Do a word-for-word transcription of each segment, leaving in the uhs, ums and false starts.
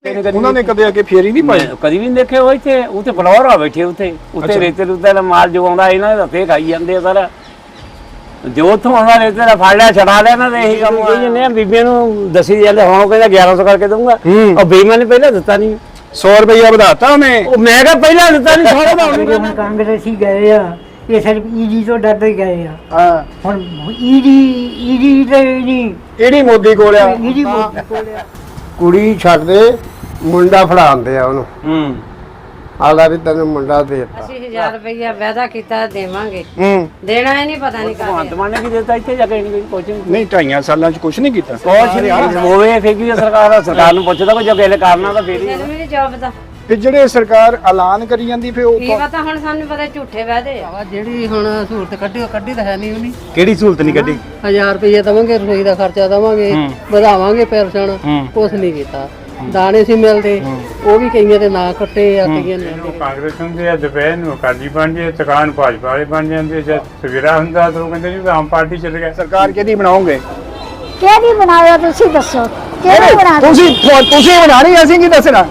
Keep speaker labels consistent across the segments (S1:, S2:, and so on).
S1: उन्होंने कदे आके फेरी नहीं पाई
S2: कभी भी नहीं देखे वो इतने उत्ते फ्लोर आ बैठे उत्ते उत्ते रेते रुते दा माल जो आंदा इन्हां दे हत्थे खाई जांदे सारा जो उत्थों आंदा रेते दा फड़ लिया छड़ा लिया ना ते यही काम करी जन्ने बीबियां नूं दसी जांदे हुण कहंदा ग्यारह सौ करके दूंगा और बेईमान ने पहले दित्ता नहीं
S1: सौ रुपया ਵਧਾਤਾ ਉਹਨੇ
S2: मैं कहा पहले दित्ता नहीं सारा दा
S3: ਹੁਣ ਕਾਂਗਰਸੀ ਗਏ ਆ ਇਹ ਸਿਰਫ ਈਡੀ ਤੋਂ ਡਰਦੇ ਗਏ ਆ
S1: ਹਾਂ
S3: ਹੁਣ ਈਡੀ ਈਡੀ ਤੇ ਨਹੀਂ
S1: ਇਹੜੀ ਮੋਦੀ ਕੋਲ ਆ
S3: ਈਡੀ ਕੋਲ ਆ
S4: ਕੁੜੀ ਛੱਡ ਦੇ ਮੁੰਡਾ ਫੜਾਉਂਦੇ ਆ ਉਹਨੂੰ
S2: ਹੂੰ
S4: ਆਲਾ ਵੀ ਤੈਨੂੰ ਮੁੰਡਾ ਦੇਤਾ
S5: ਅਸੀਂ ਹਜ਼ਾਰ ਰੁਪਇਆ ਵਾਅਦਾ ਕੀਤਾ ਦੇਵਾਂਗੇ
S1: ਹੂੰ
S5: ਦੇਣਾ ਹੀ ਨਹੀਂ ਪਤਾ ਨਹੀਂ ਕਾਹਦੇ
S2: ਭਗਵੰਤ ਮਾਨ ਨੇ ਕੀ ਦਿੱਤਾ ਇੱਥੇ ਜਾ ਕੇ ਨਹੀਂ ਕੁਝ ਨਹੀਂ
S1: ਨਹੀਂ ਢਾਈਆਂ ਸਾਲਾਂ ਚ ਕੁਝ ਨਹੀਂ ਕੀਤਾ
S2: ਕੁਛ ਨਹੀਂ ਹੋਵੇ ਫੇਰ ਕੀ ਸਰਕਾਰ ਸਰਕਾਰ ਨੂੰ ਪੁੱਛਦਾ ਕੋਈ ਜੋ ਕਿਸੇ ਕਰਨਾ ਤਾਂ ਫੇਰ ਹੀ
S5: ਮੈਨੂੰ ਵੀ ਨਹੀਂ ਜਵਾਬ ਦਾ
S1: ਤੇ ਜਿਹੜੇ ਸਰਕਾਰ ਐਲਾਨ ਕਰੀ ਜਾਂਦੀ ਫੇ ਉਹ
S5: ਕੀ ਪਤਾ ਹੁਣ ਸਾਨੂੰ ਪਤਾ ਝੂਠੇ ਵਾਅਦੇ ਆ
S6: ਜਿਹੜੀ ਹੁਣ ਸਹੂਲਤ ਕੱਢੀ ਉਹ ਕੱਢੀ ਤਾਂ ਹੈ ਨਹੀਂ ਉਹਨੇ
S1: ਕਿਹੜੀ ਸਹੂਲਤ ਨਹੀਂ ਕੱਢੀ
S6: ਹਜ਼ਾਰ ਰੁਪਏ ਦਵਾਂਗੇ ਰਸੋਈ ਦਾ ਖਰਚਾ ਦਵਾਂਗੇ ਵਧਾਵਾਂਗੇ ਪੈਨਸ਼ਨ ਕੁਛ ਨਹੀਂ ਕੀਤਾ ਦਾਣੇ ਸੀ ਮਿਲਦੇ ਉਹ ਵੀ ਕਈਆਂ ਦੇ ਨਾਂ ਕੱਟੇ ਆ ਕਈਆਂ ਨੇ
S7: ਕਾਂਗਰਸ ਹੁੰਦੇ ਆ ਦੁਪਹਿਰ ਨੂੰ ਅਕਾਲੀ ਬਣ ਜੇ ਦੁਕਾਨ ਭਾਜਪਾ ਵਾਲੇ ਬਣ ਜਾਂਦੇ ਜਦ ਸਵੇਰਾ ਹੁੰਦਾ ਤਾਂ ਉਹ ਕਹਿੰਦੇ ਜੀ ਆਮ ਪਾਰਟੀ ਚੱਲ ਗਿਆ
S1: ਸਰਕਾਰ ਕਿਹਦੀ ਬਣਾਓਗੇ
S8: ਕਿਹੜੀ ਬਣਾਇਆ ਤੁਸੀਂ ਦੱਸੋ ਕਿਹੜੀ ਬਣਾ
S1: ਤੁਸੀਂ ਤੁਸੀਂ ਬਣਾਣੀ ਅਸੀਂ ਕੀ ਦੱਸਣਾ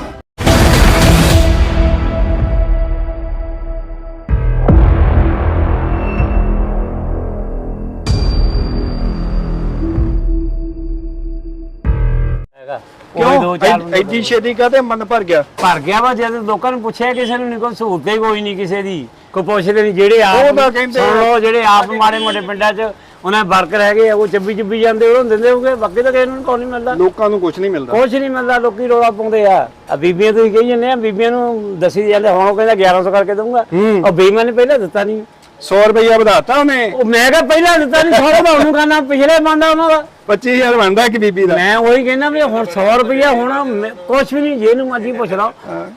S1: ਕਿਉਂ ਐਡੀ ਛੇਤੀ ਕਾਤੇ ਮਨ ਭਰ ਗਿਆ
S2: ਭਰ ਗਿਆ ਵਾ ਜਦ ਲੋਕਾਂ ਨੂੰ ਪੁੱਛਿਆ ਕਿਸੇ ਨੂੰ ਨਹੀਂ ਕੋਈ ਸਹੂਲਤ ਹੀ ਕੋਈ ਨਹੀਂ ਕਿਸੇ ਦੀ ਕੋਈ ਪੁੱਛਦੇ ਨਹੀਂ ਜਿਹੜੇ ਆਪ
S1: ਉਹ ਤਾਂ ਕਹਿੰਦੇ
S2: ਸੁਣ ਲਓ ਜਿਹੜੇ ਆਪ ਮਾੜੇ ਮੋਟੇ ਪਿੰਡਾਂ 'ਚ ਉਹਨਾਂ ਵਰਕਰ ਹੈਗੇ ਆ ਉਹ ਚੱਬੀ ਚੱਬੀ ਜਾਂਦੇ ਉਹ ਦਿੰਦੇ ਹੋਗੇ ਬਾਕੀ ਤਾਂ ਕਿਸੇ ਨੂੰ ਕੋਈ ਨਹੀਂ ਮਿਲਦਾ
S1: ਲੋਕਾਂ ਨੂੰ ਕੁਝ ਨਹੀਂ ਮਿਲਦਾ
S2: ਕੁਛ ਨਹੀਂ ਮਿਲਦਾ ਲੋਕੀ ਰੌਲਾ ਪਾਉਂਦੇ ਆ ਆ ਬੀਬੀਆਂ ਤੁਸੀਂ ਕਹੀ ਜਾਂਦੇ ਆ ਬੀਬੀਆਂ ਨੂੰ ਦਸੀ ਜਾਂਦੇ ਹੁਣ ਉਹ ਕਹਿੰਦਾ ਗਿਆਰਾਂ ਸੌ ਕਰਕੇ ਦਊਂਗਾ ਉਹ ਬੇਈਮਾਨ ਨੇ ਪਹਿਲਾਂ ਦਿੱਤਾ ਨਹੀਂ
S1: ਸੌ ਰੁਪਇਆ ਵਧਾਤਾ ਉਹਨੇ
S2: ਉਹ ਮੈਂ ਕਿਹਾ ਪਹਿਲਾਂ ਦਿੱਤਾ ਨਹੀਂ ਸੌ ਦਾ ਉਹਨੂੰ ਕਰਨਾ ਪਿਛਲੇ ਬੰਦਾ ਉਹਨਾਂ ਦਾ
S1: ਪੱਚੀ ਹਜ਼ਾਰ ਬਣਦਾ ਇੱਕ ਬੀਬੀ ਦਾ
S2: ਮੈਂ ਉਹੀ ਕਹਿੰਦਾ ਵੀ ਹੁਣ ਸੌ ਰੁਪਇਆ ਹੁਣ ਕੁਛ ਵੀ ਨਹੀਂ ਜਿਹਨੂੰ ਮਰਜ਼ੀ ਪੁੱਛ ਲਓ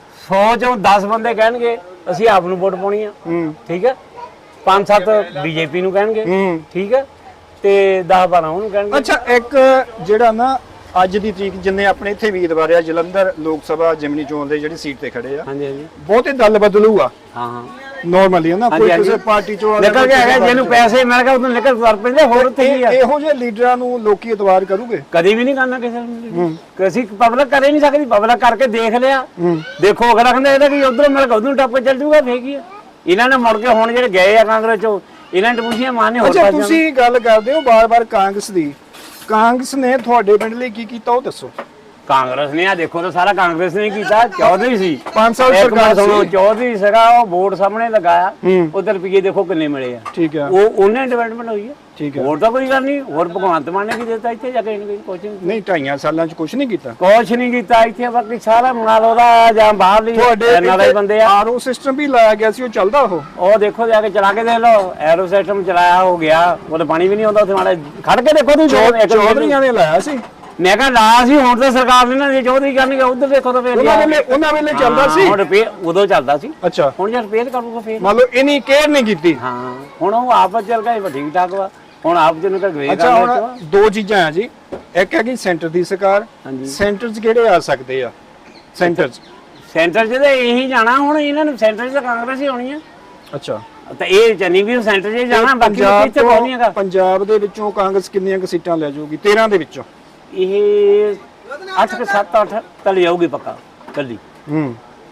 S2: ਸੌ ਚੋਂ ਦਸ ਬੰਦੇ ਕਹਿਣਗੇ ਅਸੀਂ ਆਪ ਨੂੰ ਵੋਟ ਪਾਉਣੀ ਆ ਠੀਕ ਹੈ ਪੰਜ ਸੱਤ ਬੀਜੇਪੀ ਨੂੰ ਕਹਿਣਗੇ ਠੀਕ ਹੈ ਤੇ ਦਸ ਬਾਰਾਂ ਉਹਨੂੰ ਕਹਿਣਗੇ
S1: ਅੱਛਾ ਇੱਕ ਜਿਹੜਾ ਨਾ ਅੱਜ ਦੀ ਤਰੀਕ ਜਿੰਨੇ ਆਪਣੇ ਇੱਥੇ ਉਮੀਦਵਾਰ ਆ ਜਲੰਧਰ ਲੋਕ ਸਭਾ ਜਿਮਨੀ ਚੋਣ ਦੇ ਜਿਹੜੀ ਸੀਟ ਤੇ ਖੜੇ ਆ
S2: ਹਾਂਜੀ ਹਾਂਜੀ
S1: ਬਹੁਤੇ ਦਲ ਬਦਲੂ ਆ
S2: ਹਾਂ ਹਾਂ
S1: ਨਾਰਮਲੀ ਹੈ ਨਾ ਕੋਈ ਕਿਸੇ ਪਾਰਟੀ ਚੋਂ
S2: ਨਿਕਲ ਕੇ ਹੈਗਾ ਜਿਹਨੂੰ ਪੈਸੇ ਮਿਲ ਗਏ ਉਹਨੂੰ ਨਿਕਲ ਕਰ ਪੈਂਦੇ ਹੋਰ ਉੱਥੇ ਕੀ ਆ
S1: ਇਹੋ ਜਿਹੇ ਲੀਡਰਾਂ ਨੂੰ ਲੋਕੀ ਇਤਵਾਰ ਕਰੂਗੇ
S2: ਕਦੀ ਵੀ ਨਹੀਂ ਕਰਨਾ ਕਿਸੇ ਨੂੰ ਅਸੀਂ ਪਬਲਿਕ ਕਰੇ ਨਹੀਂ ਸਕਦੀ ਪਬਲਿਕ ਕਰਕੇ ਦੇਖ ਲਿਆ ਦੇਖੋ ਅਗਲਾ ਕਹਿੰਦਾ ਇਹਦਾ ਕੀ ਉਧਰੋਂ ਮਿਲ ਕੇ ਉਧਰੋਂ ਟੱਪ ਚੱਲ ਜੂਗਾ ਫੇਰ ਕੀ ਆ ਇਹਨਾਂ ਨੇ ਮੁੜ ਕੇ ਹੁਣ ਜਿਹੜੇ ਗਏ ਆ ਕਾਂਗਰਸ ਚੋਂ ਇਹਨਾਂ ਨੇ ਪੁੱਛਿਆ ਮਾਨੇ ਹੋਰ
S1: ਅੱਛਾ ਤੁਸੀਂ ਗੱਲ ਕਰਦੇ ਹੋ ਬਾਰ-ਬਾਰ ਕਾਂਗਰਸ ਦੀ ਕਾਂਗਰਸ ਨੇ ਤੁਹਾਡੇ ਪਿੰਡ ਲਈ ਕੀ ਕੀਤਾ ਉਹ ਦੱਸੋ
S2: ਕਾਂਗਰਸ ਨੇ ਆ ਦੇਖੋ ਤਾਂ ਸਾਰਾ ਕਾਂਗਰਸ ਨੇ ਕੀਤਾ ਚੌਧਰੀ ਸੀ
S1: ਪੰਜ ਸਾਲ ਸਰਕਾਰ ਸੀ
S2: ਚੌਧਰੀ ਸੀਗਾ ਉਹ ਵੋਟ ਸਾਹਮਣੇ ਲਗਾਇਆ ਉਧਰ ਰੁਪਏ ਦੇਖੋ ਕਿੰਨੇ ਮਿਲੇ ਆ
S1: ਠੀਕ ਹੈ
S2: ਉਹ ਉਹਨੇ ਡਿਵੈਲਪਮੈਂਟ ਹੋਈ ਹੈ
S1: ਠੀਕ ਹੈ
S2: ਹੋਰ ਤਾਂ ਕੋਈ ਗੱਲ ਨਹੀਂ ਹੋਰ ਭਗਵੰਤ ਮਾਨ ਨੇ ਕੀ ਦਿੱਤਾ ਇੱਥੇ ਜਾ ਕੇ ਕੁਝ
S1: ਨਹੀਂ ਢਾਈਆਂ ਸਾਲਾਂ ਚ ਕੁਝ ਨਹੀਂ ਕੀਤਾ
S2: ਕੁਛ ਨਹੀਂ ਕੀਤਾ ਇੱਥੇ ਬਾਕੀ ਸਾਰਾ ਮਾਲ ਉਹਦਾ ਜਾਂ ਬਾਹਰਲੀ ਨਾਲੇ ਬੰਦੇ ਆ
S1: ਆਰਓ ਸਿਸਟਮ ਵੀ ਲਾਇਆ ਗਿਆ ਸੀ ਉਹ ਚੱਲਦਾ ਉਹ
S2: ਉਹ ਦੇਖੋ ਜਾ ਕੇ ਚਲਾ ਕੇ ਦੇਖ ਲਓ ਐਰੋ ਸਿਸਟਮ ਚਲਾਇਆ ਹੋ ਗਿਆ ਉਹਦੇ ਪਾਣੀ ਵੀ ਨਹੀਂ ਆਉਂਦਾ ਉੱਥੇ ਮਾੜਾ ਖੜ ਕੇ ਦੇਖੋ ਤੁਸੀਂ
S1: ਚੌਧਰੀਆਂ ਨੇ ਲਾਇਆ ਸੀ
S2: ਮੈਂ ਕਿਹਾ ਲਾ ਸੀ ਹੁਣ ਤਾਂ ਸਰਕਾਰ ਨੇ ਨਾ ਜੇ ਚੌਧਰੀ ਕਰਨਗੇ ਉਧਰ ਦੇਖੋ ਤਾਂ ਫੇਰ
S1: ਉਹਨਾਂ ਵੇਲੇ ਉਹਨਾਂ ਵੇਲੇ ਚੱਲਦਾ ਸੀ
S2: ਹੁਣ ਰਿਪੇਅਰ ਉਦੋਂ ਚੱਲਦਾ ਸੀ
S1: ਅੱਛਾ
S2: ਹੁਣ ਜੇ ਰਿਪੇਅਰ ਕਰੂਗਾ ਫੇਰ
S1: ਮੰਨ ਲਓ ਇਹਨੀ ਕੇਅਰ ਨਹੀਂ ਕੀਤੀ
S2: ਹਾਂ ਹੁਣ ਉਹ ਆਪ ਚੱਲ ਗਿਆ ਠੀਕ ਠਾਕ ਵਾ ਹੁਣ ਆਪ ਜਿਹਨੂੰ ਕਰ ਗਵੇ
S1: ਅੱਛਾ ਹੁਣ ਦੋ ਚੀਜ਼ਾਂ ਆ ਜੀ ਇੱਕ ਹੈਗੀ ਸੈਂਟਰ ਦੀ ਸਰਕਾਰ ਸੈਂਟਰ 'ਚ ਕਿਹੜੇ ਆ ਸਕਦੇ ਆ ਸੈਂਟਰ 'ਚ
S2: ਸੈਂਟਰ 'ਚ ਤਾਂ ਇਹੀ ਜਾਣਾ ਹੁਣ ਇਹਨਾਂ ਨੂੰ ਸੈਂਟਰ 'ਚ ਤਾਂ ਕਾਂਗਰਸ ਹੀ ਹੋਣੀ ਆ
S1: ਅੱਛਾ
S2: ਤਾਂ ਇਹ ਚੰਨੀ ਵੀ ਸੈਂਟਰ 'ਚ ਜਾਣਾ ਬਾਕੀ ਇੱਥੇ ਕੋਈ ਹੈਗਾ
S1: ਪੰਜਾਬ ਦੇ ਵਿੱਚੋਂ ਕਾਂਗਰਸ ਕਿੰਨੀਆਂ ਕੁ ਸੀਟਾਂ ਲੈ ਜਾਊਗੀ ਤੇਰਾਂ ਦੇ ਵਿੱਚੋਂ
S2: ਇਹ ਅੱਠ ਕਿ ਸੱਤ ਅੱਠ ਤੱਕ ਜਾਊਗੀ ਪੱਕਾ ਕੱਲੀ
S1: ਹੂੰ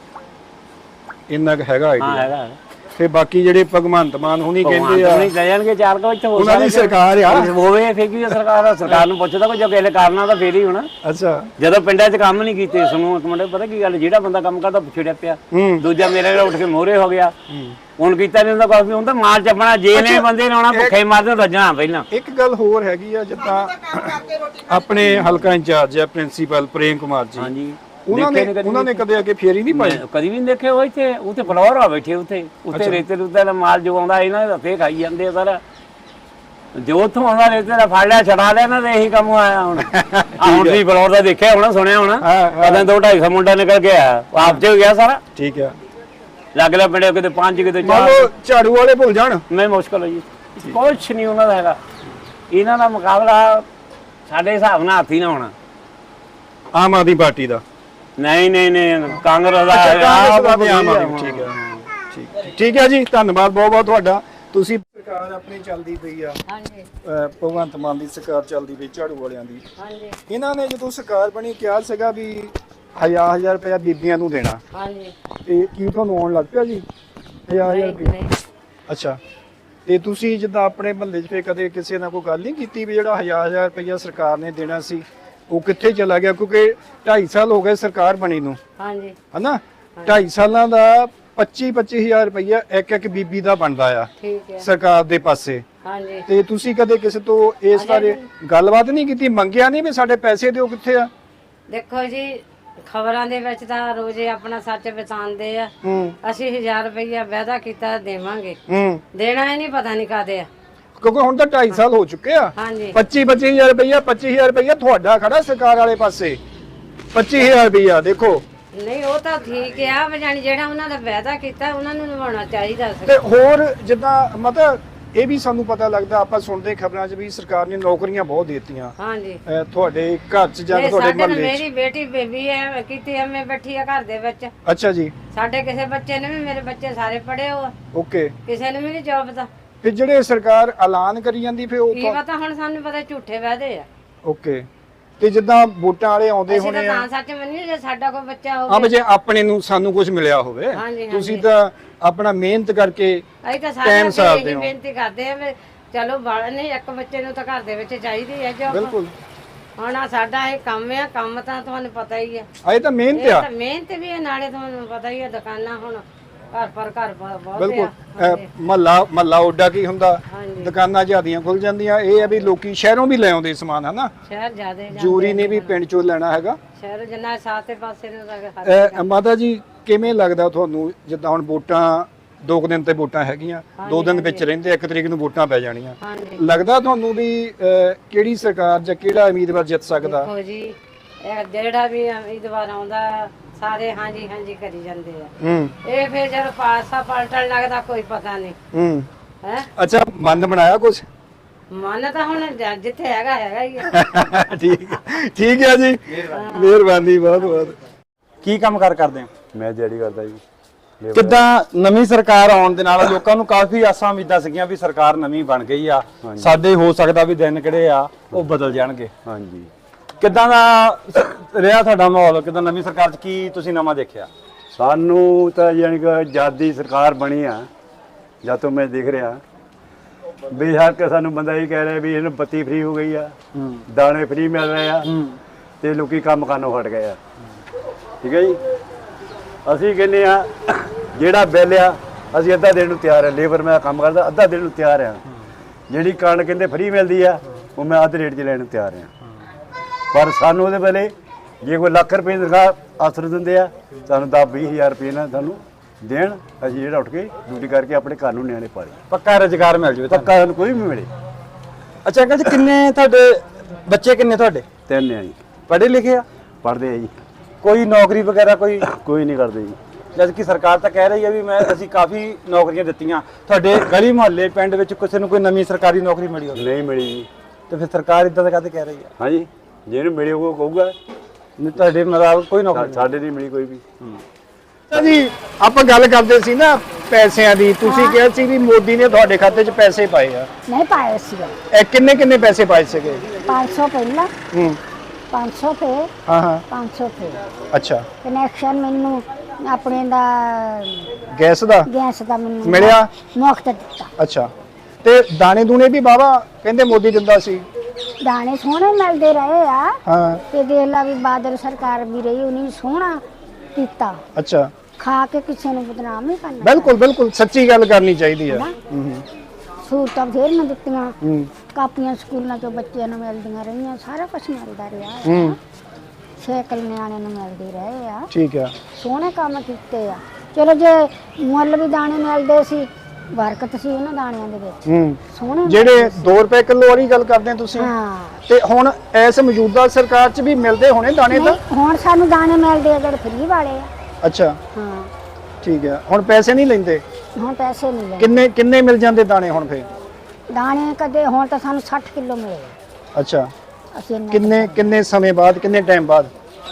S1: ਇੰਨਾ ਕੁ ਹੈਗਾ
S2: ਹਾਂ
S1: ਆਈਡੀਆ
S2: ਹੈਗਾ
S1: ਤੇ ਬਾਕੀ ਜਿਹੜੇ ਭਗਵੰਤ ਮਾਨ ਹੁਣੀ ਕਹਿੰਦੇ ਆ
S2: ਨਹੀਂ ਲੈ ਜਾਣਗੇ ਚਾਰ ਕੋ ਇੱਥੇ ਹੋ
S1: ਉਹਨਾਂ ਦੀ ਸਰਕਾਰ ਆ
S2: ਹੋਵੇ ਫੇਰ ਕੀ ਸਰਕਾਰ ਆ ਸਰਕਾਰ ਨੂੰ ਪੁੱਛਦਾ ਕੋਈ ਜੋ ਕਿਸੇ ਕਰਨਾ ਤਾਂ ਫੇਰ ਹੀ ਹੋਣਾ
S1: ਅੱਛਾ
S2: ਜਦੋਂ ਪਿੰਡਾਂ 'ਚ ਕੰਮ ਨਹੀਂ ਕੀਤੇ ਸੁਣੋ ਇੱਕ ਮਿੰਟ ਪਤਾ ਕੀ ਗੱਲ ਜਿਹੜਾ ਬੰਦਾ ਕੰਮ ਕਰਦਾ ਪਿਛੜਿਆ ਪਿਆ ਦੂਜਾ ਮੇਰੇ ਨਾਲ ਉੱਠ ਕੇ ਮੋਹਰੇ ਹੋ ਗਿਆ ਹੁਣ ਕੀਤਾ ਨਹੀਂ ਹੁੰਦਾ ਕਾਫੀ ਹੁੰਦਾ ਮਾਲ ਚੱਪਣਾ ਜੇ ਨੇ ਬੰਦੇ ਨੇ ਆਉਣਾ ਭੁੱਖੇ ਮਰਦੇ ਰੱਜਣਾ ਪਹਿਲਾਂ
S1: ਇੱਕ ਗੱਲ ਹੋਰ ਹੈਗੀ ਆ ਜਿੱਦਾਂ ਆਪਣੇ ਹਲਕਾ ਇੰਚਾਰਜ ਆ ਪ੍ਰਿੰਸੀਪਲ ਪ੍ਰੇਮ ਕੁਮਾਰ ਜੀ
S2: ਹਾਂਜੀ
S1: ਉਹਨਾਂ ਨੇ ਉਹਨਾਂ ਨੇ ਕਦੇ ਅੱਗੇ ਫੇਰੀ ਨਹੀਂ ਪਾਈ
S2: ਕਦੀ ਵੀ ਨਹੀਂ ਦੇਖੇ ਉਹ ਇੱਥੇ ਉੱਥੇ ਫਲੋਰ ਆ ਬੈਠੇ ਉੱਥੇ ਉੱਥੇ ਰੇਤੇ ਰੁਤੇ ਦਾ ਮਾਲ ਜੋ ਆਉਂਦਾ ਇਹਨਾਂ ਦੇ ਹੱਥੇ ਖਾਈ ਜਾਂਦੇ ਆ ਸਾਰਾ ਜੋ ਉੱਥੋਂ ਆਉਂਦਾ ਰੇਤੇ ਦਾ ਫੜ ਲਿਆ ਛੜਾ ਲਿਆ ਨਾ ਤੇ ਇਹੀ ਕੰਮ ਆਇਆ ਹੁਣ ਆ ਹੁਣ ਵੀ ਫਲੋਰ ਦਾ ਦੇਖਿਆ ਹੋਣਾ ਸੁਣਿਆ ਹੋਣਾ ਕਦਾਂ ਦੋ ਢਾਈ ਸੌ ਮੁੰਡਾ ਨਿਕਲ ਗਿਆ ਆਪ ਚ ਗਿਆ ਸਾਰਾ
S1: ਠੀਕ ਆ
S2: ਲੱਗ ਲਿਆ ਪਿੰਡੇ ਕਿਤੇ ਪੰਜ ਕਿਤੇ
S1: ਚਾਰ ਝਾੜੂ ਵਾਲੇ ਭੁੱਲ ਜਾਣ
S2: ਨਹੀਂ ਮੁਸ਼ਕਲ ਹੈ ਜੀ ਕੁਛ ਨਹੀਂ ਉਹਨਾਂ ਦਾ ਹੈਗਾ ਇਹਨਾਂ ਦਾ ਮੁਕਾਬਲਾ ਸਾਡੇ ਹਿਸਾਬ ਨਾਲ ਹੱਥੀ ਨਾ ਹੋਣਾ
S1: ਆਮ ਆਦਮੀ ਪਾਰਟੀ ਦਾ
S2: ਨਹੀਂ ਨਹੀਂ ਨਹੀਂ ਕਾਂਗਰਸ ਦਾ
S1: ਆਮ ਆਦਮੀ ਠੀਕ ਹੈ ਠੀਕ ਠੀਕ ਹੈ ਜੀ ਧੰਨਵਾਦ ਬਹੁਤ ਬਹੁਤ ਤੁਹਾਡਾ ਤੁਸੀਂ ਸਰਕਾਰ ਆਪਣੀ ਚੱਲਦੀ ਪਈ ਆ
S5: ਹਾਂਜੀ
S1: ਭਗਵੰਤ ਮਾਨ ਦੀ ਸਰਕਾਰ ਚੱਲਦੀ ਪਈ ਝਾੜੂ ਵਾਲਿਆਂ ਦੀ
S5: ਹਾਂਜੀ
S1: ਇਹਨਾਂ ਨੇ ਜਦੋਂ ਸਰਕਾਰ ਬਣੀ ਕਿਹਾ ਸੀਗਾ ਵੀ ਹਜ਼ਾਰ ਹਜ਼ਾਰ ਰੁਪਇਆ ਬੀਬੀਆਂ ਨੂੰ ਦੇਣਾ,
S5: ਹਾਂਜੀ
S1: ਤੇ ਕੀ ਤੁਹਾਨੂੰ ਆਉਣ ਲੱਗ ਪਿਆ ਜੀ ਹਜ਼ਾਰ ਹਜ਼ਾਰ
S5: ਨਹੀਂ
S1: ਰੁਪਇਆ?
S5: ਨਹੀਂ
S1: ਅੱਛਾ, ਤੇ ਤੁਸੀਂ ਜਿੱਦਾਂ ਆਪਣੇ ਮਹੱਲੇ 'ਚ ਫੇ ਕਦੇ ਕਿਸੇ ਨਾਲ ਕੋਈ ਗੱਲ ਨਹੀਂ ਕੀਤੀ ਵੀ ਜਿਹੜਾ ਹਜ਼ਾਰ ਹਜ਼ਾਰ ਰੁਪਇਆ ਸਰਕਾਰ ਨੇ ਦੇਣਾ ਸੀ ਉਹ ਕਿੱਥੇ ਚਲਾ ਗਿਆ? ਕਿਉਂਕਿ ਢਾਈ ਸਾਲ ਹੋ ਗਏ ਸਰਕਾਰ ਬਣੀ ਨੂੰ,
S5: ਹਾਂਜੀ
S1: ਹਨਾ? ਢਾਈ ਸਾਲਾਂ ਦਾ ਪੱਚੀ ਪੱਚੀ ਹਜ਼ਾਰ ਰੁਪਇਆ ਇੱਕ ਇੱਕ ਬੀਬੀ ਦਾ ਬਣਦਾ ਆ
S5: ਠੀਕ ਹੈ
S1: ਸਰਕਾਰ ਦੇ ਪਾਸੇ।
S5: ਹਾਂਜੀ
S1: ਤੇ ਤੁਸੀਂ ਕਦੇ ਕਿਸੇ ਤੋਂ ਇਸ ਬਾਰੇ ਗੱਲਬਾਤ ਨਹੀਂ ਕੀਤੀ, ਮੰਗਿਆ ਨਹੀਂ ਵੀ ਸਾਡੇ ਪੈਸੇ ਦਿਓ ਕਿੱਥੇ ਆ?
S5: ਦੇਖੋ ਜੀ ਖਬਰਾਂ ਦੇ ਵਿੱਚ ਤਾਂ ਰੋਜ਼ੇ ਆਪਣਾ ਸੱਚ ਬਤਾਉਂਦੇ ਆ।
S1: ਹੂੰ
S5: ਅਸੀਂ ਹਜ਼ਾਰ ਰੁਪਈਆ ਵਾਅਦਾ ਕੀਤਾ ਦੇਵਾਂਗੇ,
S1: ਹੂੰ
S5: ਦੇਣਾ ਹੀ ਨਹੀਂ ਪਤਾ ਨਹੀਂ ਕਾਦੇ ਆ।
S1: ਕਿਉਂਕਿ ਹੁਣ ਤਾਂ ਢਾਈ ਸਾਲ ਹੋ ਚੁੱਕੇ ਆ।
S5: ਹਾਂਜੀ
S1: ਪੱਚੀ ਪੱਚੀ ਹਜ਼ਾਰ ਰੁਪਇਆ ਪੱਚੀ ਹਜ਼ਾਰ ਰੁਪਇਆ ਤੁਹਾਡਾ ਖੜਾ ਸਰਕਾਰ ਵਾਲੇ ਪਾਸੇ, ਪੱਚੀ ਹਜ਼ਾਰ ਰੁਪਇਆ ਦੇਖੋ।
S5: ਨਹੀਂ ਉਹ ਤਾਂ ਠੀਕ ਆ, ਵੀ ਜਾਣੀ ਜਿਹੜਾ ਉਹਨਾਂ ਦਾ ਵਾਅਦਾ ਕੀਤਾ ਉਹਨਾਂ ਨੂੰ ਨਿਭਾਉਣਾ ਚਾਹੀਦਾ ਸੀ।
S1: ਤੇ ਹੋਰ ਜਿੱਦਾਂ ਮਤਲਬ ਇਹ ਵੀ ਸਾਨੂੰ ਪਤਾ ਲੱਗਦਾ, ਆਪਾਂ ਸੁਣਦੇ ਖਬਰਾਂ 'ਚ ਵੀ ਸਰਕਾਰ ਨੇ ਨੌਕਰੀਆਂ ਬਹੁਤ ਦੇ ਦਿੱਤੀਆਂ
S5: ਹਾਂਜੀ
S1: ਅਹ ਤੁਹਾਡੇ ਘਰ 'ਚ ਜਾਂ
S5: ਨਹੀਂ,
S1: ਤੁਹਾਡੇ
S5: ਸਾਡੇ ਨਾਲ
S1: ਮਹੱਲੇ 'ਚ।
S5: ਮੇਰੀ ਬੇਟੀ ਬੇਬੀ ਹੈ ਕੀਤੀ ਐਵੇਂ ਬੈਠੀ ਆ ਘਰ ਦੇ ਵਿੱਚ।
S1: ਅੱਛਾ ਜੀ,
S5: ਸਾਡੇ ਕਿਸੇ ਬੱਚੇ ਨੇ ਵੀ, ਮੇਰੇ ਬੱਚੇ ਸਾਰੇ ਪੜ੍ਹੇ ਹੋ,
S1: ਓਕੇ।
S5: ਕਿਸੇ ਨੂੰ ਵੀ ਨਹੀਂ ਜੋਬ ਦਾ।
S1: ਫਿਰ ਜਿਹੜੇ ਸਰਕਾਰ ਐਲਾਨ ਕਰੀ ਜਾਂਦੀ ਫਿਰ ਉਹ
S5: ਕੀ ਪਤਾ ਹੁਣ ਸਾਨੂੰ ਪਤਾ ਝੂਠੇ ਵਾਅਦੇ ਆ।
S1: ਓਕੇ। ਤੇ ਜਿੱਦਾਂ ਵੋਟਾਂ ਵਾਲੇ ਆਉਂਦੇ
S5: ਅਸੀਂ ਤਾਂ
S1: ਹੋਣੇ ਆ,
S5: ਤਾਂ ਸੱਚ ਮੰਨੀਏ ਜੇ ਸਾਡਾ ਕੋਈ ਬੱਚਾ
S1: ਆ
S5: ਹੋਵੇ।
S1: ਜੇ ਆਪਣੇ ਨੂੰ ਸਾਨੂੰ ਕੁਝ ਮਿਲਿਆ ਹੋਵੇ,
S5: ਹਾਂਜੀ,
S1: ਤੁਸੀਂ
S5: ਹਾਂਜੀ।
S1: ਤਾਂ ਆਪਣਾ ਮਿਹਨਤ ਕਰਕੇ
S5: ਅਸੀਂ ਤਾਂ
S1: ਟਾਈਮ
S5: ਸਾਰੇ
S1: ਸਾਰਦੇ
S5: ਇਹੀ
S1: ਹੋ।
S5: ਬੇਨਤੀ ਕਰਦੇ ਆ ਵੀ ਚਲੋ ਬਾਲ ਨਹੀਂ, ਇੱਕ ਬੱਚੇ ਨੂੰ ਤਾਂ ਘਰ ਦੇ ਵਿੱਚ ਚਾਹੀਦੀ ਹੈ ਜੋਬ।
S1: ਬਿਲਕੁਲ।
S5: ਹੁਣ ਆਹ ਸਾਡਾ ਇਹ ਕੰਮ ਆ, ਕੰਮ ਤਾਂ ਤੁਹਾਨੂੰ ਪਤਾ ਹੀ ਆ।
S1: ਆ ਇਹ ਤਾਂ ਮਿਹਨਤ
S5: ਇਹ
S1: ਆ।
S5: ਤਾਂ ਮਿਹਨਤ ਵੀ ਹੈ, ਨਾਲੇ ਤੁਹਾਨੂੰ ਪਤਾ ਹੀ ਆ ਦੁਕਾਨਾਂ ਹੁਣ ਘਰ ਪਰ ਘਰ ਬ- ਬਹੁਤ
S1: ਬਿਲਕੁਲ।
S5: ਆ।
S1: ਮਹੱਲਾ ਮਹੱਲਾ ਉੱਡਾ ਕੀ ਹੁੰਦਾ,
S5: ਹਾਂਜੀ।
S1: ਦੁਕਾਨਾਂ ਜ਼ਿਆਦੀਆਂ ਖੁੱਲ ਜਾਂਦੀਆਂ। ਇਹ ਆ ਵੀ ਲੋਕੀ ਸ਼ਹਿਰੋਂ ਵੀ ਲੈ ਆਉਂਦੇ ਸਮਾਨ, ਹਨਾ?
S5: ਸ਼ਹਿਰ ਜ਼ਿਆਦੇ ਜਾਂਦੇ
S1: ਜੂਰੀ ਨੇ ਵੀ ਪਿੰਡ ਚੋਂ ਲੈਣਾ ਹੈਗਾ।
S5: ਸ਼ਹਿਰ ਜਿੰਨਾ ਸਾਤੇ ਪਾਸੇ ਨੂੰ ਤਾਂ ਹਰ
S1: ਅਹ ਮਾਤਾ ਜੀ ਕਿਵੇਂ ਲੱਗਦਾ ਤੁਹਾਨੂੰ, ਜਿੱਦਾਂ ਹੁਣ ਵੋਟਾਂ ਦੋ ਕੁ ਦਿਨ ਤੇ ਵੋਟਾਂ ਹੈਗੀਆਂ, ਦੋ ਦਿਨ ਵਿੱਚ ਰਹਿੰਦੇ, ਇੱਕ ਤਰੀਕ ਨੂੰ ਵੋਟਾਂ ਪੈ ਜਾਣੀਆਂ,
S5: ਹਾਂਜੀ
S1: ਲੱਗਦਾ ਤੁਹਾਨੂੰ ਵੀ ਅਹ, ਕਿਹੜੀ ਸਰਕਾਰ ਜਾਂ ਕਿਹੜਾ ਉਮੀਦਵਾਰ ਜਿੱਤ ਸਕਦਾ?
S5: ਦੇਖੋ ਜੀ ਇਹ ਜਿਹੜਾ ਵੀ ਉਮੀਦਵਾਰ ਆਉਂਦਾ ਸਾਰੇ ਹਾਂਜੀ ਹਾਂਜੀ ਕਰੀ ਜਾਂਦੇ ਆ।
S1: ਹੂੰ
S5: ਇਹ ਫਿਰ ਜਦ ਪਾਸਾ ਪਲਟਣ ਲੱਗਦਾ ਕੋਈ ਪਤਾ ਨਹੀਂ
S1: ਹੂੰ
S5: ਹੈ।
S1: ਅੱਛਾ, ਮਨ ਬਣਾਇਆ ਕੁਝ?
S5: ਮਨ ਤਾਂ ਹੁਣ ਜ- ਜਿੱਥੇ ਹੈਗਾ ਹੈਗਾ ਹੀ ਆ।
S1: ਠੀਕ ਠੀਕ ਹੈ ਜੀ, ਮਿਹਰਬਾਨੀ ਬਹੁਤ ਬਹੁਤ।
S9: ਕੀ ਕੰਮ ਕਾਰ ਕਰਦੇ ਹੋ?
S10: ਮੈਂ ਦਿਹਾੜੀ ਕਰਦਾ ਜੀ।
S9: ਕਿੱਦਾਂ ਨਵੀਂ ਸਰਕਾਰ ਆਉਣ ਦੇ ਨਾਲ ਲੋਕਾਂ ਨੂੰ ਕਾਫੀ ਆਸਾਂ ਉਮੀਦਾਂ ਸੀਗੀਆਂ ਵੀ ਸਰਕਾਰ ਨਵੀਂ ਬਣ ਗਈ ਆ, ਸਾਡੇ ਹੋ ਸਕਦਾ ਵੀ ਦਿਨ ਕਿਹੜੇ ਆ ਉਹ ਬਦਲ ਜਾਣਗੇ।
S10: ਹਾਂਜੀ।
S9: ਕਿੱਦਾਂ ਦਾ ਰਿਹਾ ਤੁਹਾਡਾ ਮਾਹੌਲ? ਕਿੱਦਾਂ ਨਵੀਂ ਸਰਕਾਰ 'ਚ ਕੀ ਤੁਸੀਂ ਨਵਾਂ ਦੇਖਿਆ?
S10: ਸਾਨੂੰ ਤਾਂ ਯਾਨੀ ਕਿ ਜਦ ਦੀ ਸਰਕਾਰ ਬਣੀ ਆ, ਜਦ ਤੋਂ ਮੈਂ ਦੇਖ ਰਿਹਾ ਬੇਸ਼ੱਕ ਸਾਨੂੰ ਬੰਦਾ ਇਹ ਕਹਿ ਰਿਹਾ ਵੀ ਇਹਨੂੰ ਬੱਤੀ ਫ੍ਰੀ ਹੋ ਗਈ ਆ, ਦਾਣੇ ਫ੍ਰੀ ਮਿਲ ਰਹੇ ਆ, ਤੇ ਲੋਕੀ ਕੰਮ ਕਰਨੋਂ ਹਟ ਗਏ ਆ। ਠੀਕ ਹੈ ਜੀ। ਅਸੀਂ ਕਹਿੰਦੇ ਆ ਜਿਹੜਾ ਬਿੱਲ ਆ ਅਸੀਂ ਅੱਧਾ ਦੇਣ ਨੂੰ ਤਿਆਰ ਆ। ਲੇਬਰ ਮੈਂ ਕੰਮ ਕਰਦਾ, ਅੱਧਾ ਦੇਣ ਨੂੰ ਤਿਆਰ ਆ। ਜਿਹੜੀ ਕਣਕ ਕਹਿੰਦੇ ਫ੍ਰੀ ਮਿਲਦੀ ਆ ਉਹ ਮੈਂ ਅੱਧ ਰੇਟ 'ਚ ਲੈਣ ਨੂੰ ਤਿਆਰ ਆ। ਪਰ ਸਾਨੂੰ ਉਹਦੇ ਵੇਲੇ ਜੇ ਕੋਈ ਲੱਖ ਰੁਪਏ ਦੀ ਤਨਖਾਹ ਅਸਰ ਦਿੰਦੇ ਆ, ਸਾਨੂੰ ਦਸ ਵੀਹ ਹਜ਼ਾਰ ਰੁਪਏ ਨਾਲ ਸਾਨੂੰ ਦੇਣ, ਅਸੀਂ ਜਿਹੜਾ ਉੱਠ ਕੇ ਡਿਊਟੀ ਕਰਕੇ ਆਪਣੇ ਘਰ ਨੂੰ ਨਿਆਣੇ ਪਾਲੇ।
S9: ਪੱਕਾ ਰੁਜ਼ਗਾਰ ਮਿਲ ਜਾਵੇ
S10: ਪੱਕਾ ਸਾਨੂੰ ਕੋਈ ਵੀ ਮਿਲੇ।
S9: ਅੱਛਾ ਅੰਕਲ ਜੀ, ਕਿੰਨੇ ਤੁਹਾਡੇ ਬੱਚੇ ਕਿੰਨੇ ਤੁਹਾਡੇ?
S10: ਤਿੰਨ ਆ ਜੀ।
S9: ਪੜ੍ਹੇ ਲਿਖੇ ਆ?
S10: ਪੜ੍ਹਦੇ ਆ ਜੀ।
S9: ਕੋਈ ਨੌਕਰੀ ਵਗੈਰਾ ਕੋਈ?
S10: ਕੋਈ ਨਹੀਂ ਕਰਦੇ ਜੀ।
S9: ਜਦ ਕਿ ਸਰਕਾਰ ਤਾਂ ਕਹਿ ਰਹੀ ਹੈ ਵੀ ਮੈਂ ਅਸੀਂ ਕਾਫੀ ਨੌਕਰੀਆਂ ਦਿੱਤੀਆਂ। ਤੁਹਾਡੇ ਗਲੀ ਮੁਹੱਲੇ ਪਿੰਡ ਵਿੱਚ ਕਿਸੇ ਨੂੰ ਕੋਈ ਨਵੀਂ ਸਰਕਾਰੀ ਨੌਕਰੀ ਮਿਲੀ ਹੋਵੇ?
S10: ਨਹੀਂ ਮਿਲੀ ਜੀ।
S9: ਤੇ ਫਿਰ ਸਰਕਾਰ ਇਦਾਂ ਦਾ ਕਾਹਤੇ ਕਹਿ ਰਹੀ ਹੈ?
S10: ਹਾਂਜੀ, ਜਿਹਨੂੰ ਮਿਲੇ ਉਹ ਕਹੂਗਾ।
S9: ਨਹੀਂ ਤੁਹਾਡੇ ਮੁਤਾਬਕ ਕੋਈ ਨੌਕਰੀ ਨਹੀਂ?
S10: ਸਾਡੇ ਨਹੀਂ ਮਿਲੀ ਕੋਈ ਵੀ।
S1: ਤਾਂ ਜੀ ਆਪਾਂ ਗੱਲ ਕਰਦੇ ਸੀ ਨਾ ਪੈਸਿਆਂ ਦੀ, ਤੁਸੀਂ ਕਿਹਾ ਸੀ ਵੀ ਮੋਦੀ ਨੇ ਤੁਹਾਡੇ ਖਾਤੇ 'ਚ ਪੈਸੇ ਪਾਏ ਆ।
S8: ਨਹੀਂ ਪਾਇਆ ਸੀਗਾ।
S1: ਇਹ ਕਿੰਨੇ ਕਿੰਨੇ ਪੈਸੇ ਪਾਏ ਸੀਗੇ?
S8: ਪੰਜ ਸੌ ਪਹਿਲਾਂ,
S1: ਹੂੰ
S8: ਪੰਜ ਸੌ ਤੇ
S1: ਹਾਂ ਹਾਂ
S8: ਪੰਜ ਸੌ ਤੇ
S1: ਅੱਛਾ।
S8: ਕਨੈਕਸ਼ਨ ਮੈਨੂੰ ਆਪਣੇ ਦਾ
S1: ਗੈਸ ਦਾ
S8: ਗੈਸ ਦਾ ਮੈਨੂੰ
S1: ਮਿਲਿਆ?
S8: ਮੁਫਤ ਦਿੱਤਾ।
S1: ਅੱਛਾ। ਤੇ ਦਾਣੇ ਦੂਣੇ ਵੀ ਬਾਬਾ ਕਹਿੰਦੇ ਮੋਦੀ ਦਿੰਦਾ ਸੀ?
S8: ਦਾਣੇ ਸੋਹਣੇ ਮਿਲਦੇ ਰਹੇ ਆ।
S1: ਹਾਂ।
S8: ਤੇ ਦੇਖ ਲਾ ਵੀ ਬਾਦਲ ਸਰਕਾਰ ਵੀ ਰਹੀ, ਉਹਨੇ ਸੋਹਣਾ ਕੀਤਾ।
S1: ਅੱਛਾ।
S8: ਖਾ ਕੇ ਕਿਸੇ ਨੂੰ ਬਦਨਾਮ ਨਹੀਂ ਕਰਨਾ।
S1: ਬਿਲਕੁਲ ਬਿਲਕੁਲ ਸੱਚੀ ਗੱਲ ਕਰਨੀ ਚਾਹੀਦੀ ਹੈ।
S8: ਹੂੰ। ਸਹੂਲਤਾਂ ਬਥੇਰੀਆਂ ਦਿੱਤੀਆਂ।
S1: ਹੂੰ।
S8: ਕਾਪੀਆਂ ਸਕੂਲਾਂ ਚੋਂ ਬੱਚਿਆਂ ਨੂੰ ਮਿਲਦੀਆਂ ਰਹੀਆਂ, ਸਾਰਾ ਕੁਝ ਮਿਲਦਾ ਰਿਹਾ।
S1: ਹੂੰ।
S8: ਸਾਈਕਲ ਨਿਆਣਿਆਂ ਨੂੰ ਮਿਲਦੇ ਰਹੇ ਆ।
S1: ਠੀਕ ਆ।
S8: ਸੋਹਣੇ ਕੰਮ ਕੀਤੇ ਆ। ਚਲੋ ਜੇ ਮੁੱਲ ਵੀ ਦਾਣੇ ਮਿਲਦੇ ਸੀ, ਬਰਕਤ ਸੀ ਉਹਨਾਂ ਦਾਣਿਆਂ ਦੇ ਵਿੱਚ।
S1: ਹੂੰ।
S8: ਸੋਹਣੇ
S1: ਜਿਹੜੇ ਦੋ ਰੁਪਏ ਕਿਲੋ ਵਾਲੀ ਗੱਲ ਕਰਦੇ ਆ ਤੁਸੀਂ,
S8: ਹਾਂ।
S1: ਤੇ ਹੁਣ ਇਸ ਮੌਜੂਦਾ ਸਰਕਾਰ 'ਚ ਵੀ ਮਿਲਦੇ ਹੋਣੇ ਦਾਣੇ ਤਾਂ?
S8: ਨਹੀਂ, ਹੁਣ ਸਾਨੂੰ ਦਾਣੇ ਮਿਲਦੇ ਆ ਜਿਹੜੇ ਫ੍ਰੀ ਵਾਲੇ ਆ।
S1: ਅੱਛਾ
S8: ਹਾਂ।
S1: ਠੀਕ ਆ। ਹੁਣ ਪੈਸੇ ਨਹੀਂ ਲੈਂਦੇ?
S8: ਹੁਣ ਪੈਸੇ ਨਹੀਂ ਲੈਂਦੇ।
S1: ਕਿੰਨੇ ਕਿੰਨੇ ਮਿਲ ਜਾਂਦੇ ਦਾਣੇ ਹੁਣ ਫੇਰ?
S8: ਦਾਣੇ ਕਦੇ ਹੁਣ ਤਾਂ ਸਾਨੂੰ ਸੱਠ ਕਿਲੋ ਮਿਲੇ।
S1: ਅੱਛਾ।
S8: ਅਸੀਂ ਇੰਨਾ
S1: ਕਿੰਨੇ ਕਿੰਨੇ ਸਮੇਂ ਬਾਅਦ, ਕਿੰਨੇ ਟਾਈਮ ਬਾਅਦ?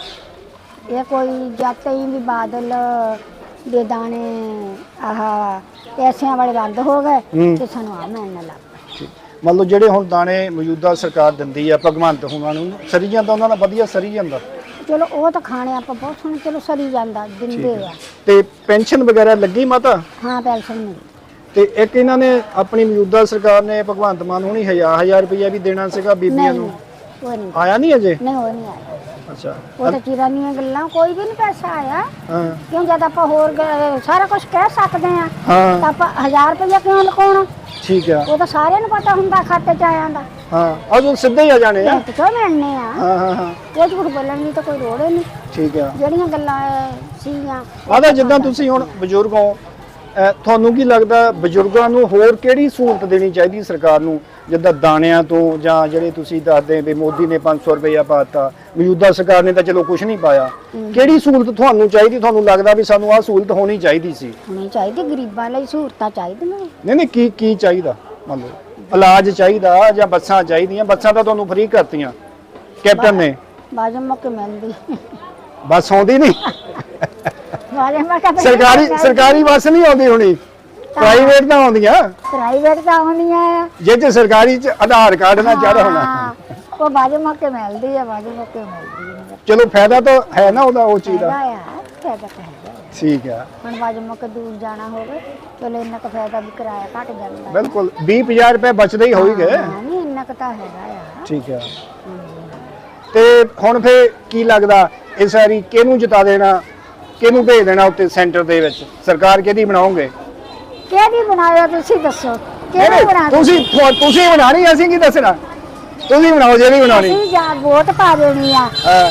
S8: ਇਹ ਕੋਈ ਜਦ ਹੀ ਵੀ ਬਾਦਲ ਦੇ ਦਾਣੇ ਆਹ ਪੈਸਿਆਂ ਵਾਲੇ ਬੰਦ ਹੋ ਗਏ ਤੇ ਸਾਨੂੰ ਆ ਮਿਲਣ ਲੱਗ ਪਏ।
S1: ਮੰਨ ਲਓ ਜਿਹੜੇ ਹੁਣ ਦਾਣੇ ਮੌਜੂਦਾ ਸਰਕਾਰ ਦਿੰਦੀ ਆ ਭਗਵੰਤ ਹੁਣਾਂ ਨੂੰ, ਸਰੀ ਜਾਂਦਾ ਉਹਨਾਂ ਦਾ ਵਧੀਆ ਸਰੀ ਜਾਂਦਾ?
S8: ਚਲੋ ਉਹ ਤਾਂ ਖਾਣੇ ਆਪਾਂ ਬਹੁਤ ਸੋਹਣੇ ਚਲੋ ਸਰੀ ਜਾਂਦਾ ਦਿੰਦੇ ਆ।
S1: ਤੇ ਪੈਨਸ਼ਨ ਵਗੈਰਾ ਲੱਗੀ ਮਾਤਾ?
S8: ਹਾਂ ਪੈਨਸ਼ਨ ਮਿਲੀ।
S1: ਤੇ ਇੱਕ ਇਹਨਾਂ ਨੇ ਆਪਣੀ ਮੌਜੂਦਾ ਸਰਕਾਰ ਨੇ ਭਗਵੰਤ ਮਾਨ ਹੁਣੀ ਹਜ਼ਾਰ ਹਜ਼ਾਰ ਰੁਪਇਆ ਵੀ ਦੇਣਾ ਸੀਗਾ ਬੀਬੀਆਂ ਨੂੰ,
S8: ਉਹ ਨਹੀਂ
S1: ਆਇਆ ਨਹੀਂ ਅਜੇ?
S8: ਨਹੀਂ ਉਹ ਨਹੀਂ ਆਇਆ।
S1: ਅੱਛਾ।
S8: ਉਹ ਤਾਂ ਚਿਰਾਨੀਆਂ ਗੱਲਾਂ, ਕੋਈ ਵੀ ਨਹੀਂ ਪੈਸਾ ਆਇਆ।
S1: ਹਾਂ
S8: ਕਿਉਂ ਜਦ ਆਪਾਂ ਹੋਰ ਗ- ਸਾਰਾ ਕੁਝ ਕਹਿ ਸਕਦੇ ਆ
S1: ਹਾਂ
S8: ਤਾਂ ਆਪਾਂ ਹਜ਼ਾਰ ਰੁਪਇਆ ਕਿਉਂ ਲਕਾਉਣਾ?
S1: ਠੀਕ ਆ।
S8: ਉਹ ਤਾਂ ਸਾਰਿਆਂ ਨੂੰ ਪਤਾ ਹੁੰਦਾ ਖਾਤੇ 'ਚ ਆਇਆ ਦਾ।
S1: ਹਾਂ ਅਜੋ ਸਿੱਧੇ ਹੀ ਆ ਜਾਣੇ ਆ।
S8: ਬੈਂਕ 'ਚੋਂ ਮਿਲਣੇ ਆ।
S1: ਹਾਂ ਹਾਂ ਹਾਂ
S8: ਇਹ ਝੂਠ ਬੋਲਣ ਦੀ ਤਾਂ ਕੋਈ ਲੋੜ ਹੀ ਨਹੀਂ।
S1: ਠੀਕ ਆ।
S8: ਜਿਹੜੀਆਂ ਗੱਲਾਂ ਸੀਗੀਆਂ
S1: ਆਦਾ ਜਿੱਦਾਂ ਤੁਸੀਂ ਹੁਣ ਬਜ਼ੁਰਗ ਹੋ, ਅਹ ਤੁਹਾਨੂੰ ਕੀ ਲੱਗਦਾ ਬਜ਼ੁਰਗਾਂ ਨੂੰ ਹੋਰ ਕਿਹੜੀ ਸਹੂਲਤ ਦੇਣੀ ਚਾਹੀਦੀ ਸਰਕਾਰ ਨੂੰ, ਜਿੱਦਾਂ ਦਾਣਿਆਂ ਤੋਂ ਜਾਂ ਜਿਹੜੇ ਤੁਸੀਂ ਦੱਸਦੇ ਵੀ ਮੋਦੀ ਨੇ ਪੰਜ ਸੌ ਰੁਪਇਆ ਪਾਤਾ, ਮੌਜੂਦਾ ਸਰਕਾਰ ਨੇ ਤਾਂ ਚਲੋ ਕੁਝ ਨਹੀਂ ਪਾਇਆ, ਕਿਹੜੀ ਸਹੂਲਤ ਤੁਹਾਨੂੰ ਚਾਹੀਦੀ, ਤੁਹਾਨੂੰ ਲੱਗਦਾ ਵੀ ਸਾਨੂੰ ਆਹ ਸਹੂਲਤ ਹੋਣੀ ਚਾਹੀਦੀ ਸੀ?
S8: ਹੋਣੀ ਚਾਹੀਦੀ, ਗਰੀਬਾਂ ਲਈ ਸਹੂਲਤਾਂ ਚਾਹੀਦੀਆਂ।
S1: ਨਹੀਂ ਨਹੀਂ ਕੀ ਕੀ ਚਾਹੀਦਾ? ਮੰਨ ਲਓ ਇਲਾਜ ਚਾਹੀਦਾ ਜਾਂ ਬੱਸਾਂ ਚਾਹੀਦੀਆਂ? ਬੱਸਾਂ ਤਾਂ ਤੁਹਾਨੂੰ ਫ੍ਰੀ ਕਰਤੀਆਂ ਕੈਪਟਨ ਨੇ।
S8: ਬਾਜੂ ਮੌਕੇ ਮਿਲਦੀ
S1: ਬੱਸ ਆਉਂਦੀ ਨਹੀਂ?
S8: ਬਾਜੂ ਮੌਕੇ
S1: ਸਰਕਾਰੀ ਸਰਕਾਰੀ ਬੱਸ ਨਹੀਂ ਆਉਂਦੀ ਹੋਣੀ, ਪ੍ਰਾਈਵੇਟ ਤਾਂ ਆਉਂਦੀਆਂ।
S8: ਪ੍ਰਾਈਵੇਟ ਤਾਂ ਆਉਂਦੀਆਂ ਆ,
S1: ਜੇ ਤੇ ਸਰਕਾਰੀ ਚ ਆਧਾਰ ਕਾਰਡ ਨਾ ਚੜ ਹੋਣਾ।
S8: ਹਾਂ, ਉਹ ਬਾਜੂ ਮੌਕੇ ਮਿਲਦੀ ਆ, ਬਾਜੂ ਮੌਕੇ ਮਿਲਦੀ ਆ।
S1: ਚਲੋ ਫਾਇਦਾ ਤਾਂ ਹੈ ਨਾ ਉਹਦਾ, ਉਹ ਚੀਜ਼ ਦਾ।
S8: ਹੈਗਾ ਆ, ਫਾਇਦਾ ਤਾਂ ਹੈਗਾ ਆ।
S1: ਠੀਕ ਆ।
S8: ਹੁਣ ਬਾਜੂ ਮੌਕੇ ਦੂਰ ਜਾਣਾ ਹੋਵੇ ਚਲੋ ਇੰਨਾ ਕੁ ਫਾਇਦਾ ਵੀ ਕਿਰਾਇਆ ਘਟ ਜਾਂਦਾ।
S1: ਬਿਲਕੁਲ ਵੀਹ ਪੰਜਾਹ ਰੁਪਏ ਬਚਦੇ ਹੀ ਹੋਈ ਗਏ।
S8: ਹਾਂ ਨਹੀਂ ਇੰਨਾ ਕੁ ਤਾਂ ਹੈਗਾ ਆ।
S1: ਠੀਕ ਆ। ਤੇ ਹੁਣ ਫੇ ਕੀ ਲੱਗਦਾ ਇਸ ਵਾਰੀ ਕਿਹਨੂੰ ਜਿਤਾ ਦੇਣਾ, ਕਿਹਨੂੰ ਭੇਜ ਦੇਣਾ ਉੱਤੇ ਸੈਂਟਰ ਦੇ ਵਿੱਚ? ਸਰਕਾਰ ਕਿਹਦੀ ਬਣਾਓਗੇ?
S8: ਕਿਹਦੀ ਬਣਾਇਆ ਤੁਸੀਂ ਦੱਸੋ? ਕਿਹਦੀ ਬਣਾ
S1: ਤੁਸੀਂ ਤੁਹਾ- ਤੁਸੀਂ ਬਣਾਣੀ, ਅਸੀਂ ਕੀ ਦੱਸਣਾ? ਤੁਸੀਂ ਬਣਾਓ ਜਿਹੜੀ ਬਣਾਉਣੀ।
S8: ਅਸੀਂ ਜਾਂ ਵੋਟ ਪਾ ਦੇਣੀ ਆ,
S1: ਹਾਂ।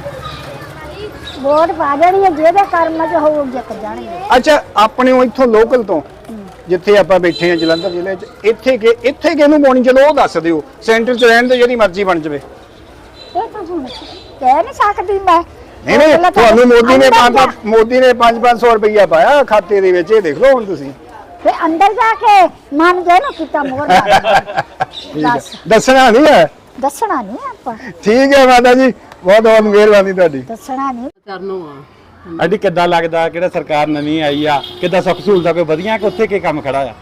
S8: ਵੋਟ ਪਾ ਦੇਣੀ ਆ, ਜਿਹਦੇ ਕਰਮ 'ਚ ਹੋਊ ਜਿੱਤ ਜਾਣਗੇ।
S1: ਅੱਛਾ ਆਪਣੇ ਉਹ ਇੱਥੋਂ ਲੋਕਲ ਤੋਂ ਜਿੱਥੇ ਆਪਾਂ ਬੈਠੇ ਆ ਜਲੰਧਰ ਜ਼ਿਲ੍ਹੇ 'ਚ, ਇੱਥੇ ਕਿ ਇੱਥੇ ਕਿਹਨੂੰ ਪਾਉਣੀ ਚਲੋ ਉਹ ਦੱਸ ਦਿਓ, ਸੈਂਟਰ 'ਚ ਰਹਿਣ ਦੇ ਜਿਹੜੀ ਮਰਜ਼ੀ ਬਣ ਜਾਵੇ।
S8: ਇਹ ਤਾਂ ਹੁਣ ਕਹਿ ਨਹੀਂ ਸਕਦੀ ਮੈਂ।
S1: ਨਹੀਂ ਨਹੀਂ
S8: ਪਹਿਲਾਂ ਤਾਂ
S1: ਤੁਹਾਨੂੰ ਮੋਦੀ ਨੇ
S8: ਅੰਦਰ
S1: ਪੰਜ
S8: ਜਾ-
S1: ਮੋਦੀ ਨੇ ਪੰਜ ਪੰਜ ਸੌ ਰੁਪਈਆ ਪਾਇਆ ਖਾਤੇ ਦੇ ਵਿੱਚ, ਇਹ ਦੇਖ ਲਓ ਹੁਣ ਤੁਸੀਂ।
S8: ਫਿਰ ਅੰਦਰ ਜਾ ਕੇ ਮਨ ਜੇ ਨਾ ਕੀਤਾ ਮੋਹਰ ਲਾ
S1: ਠੀਕ ਹੈ।
S8: ਦੱਸ
S1: ਦੱਸਣਾ ਨਹੀਂ ਹੈ?
S8: ਦੱਸਣਾ ਨਹੀਂ ਆਪਾਂ,
S1: ਠੀਕ ਹੈ ਮਾਤਾ ਜੀ, ਬਹੁਤ ਬਹੁਤ ਮਿਹਰਬਾਨੀ ਤੁਹਾਡੀ।
S8: ਦੱਸਣਾ ਨਹੀਂ।
S6: ਚਰਨੋਂ ਆ
S9: ਅੱਡੀ ਕਿੱਦਾਂ ਲੱਗਦਾ ਕਿਹੜਾ ਸਰਕਾਰ ਨਵੀਂ ਆਈ ਆ, ਕਿੱਦਾਂ ਸੁੱਖ ਸਹੂਲਤਾਂ ਕੋਈ ਵਧੀਆਂ ਕਿ ਉੱਥੇ ਕੀ ਕੰਮ ਖੜਾ ਆ?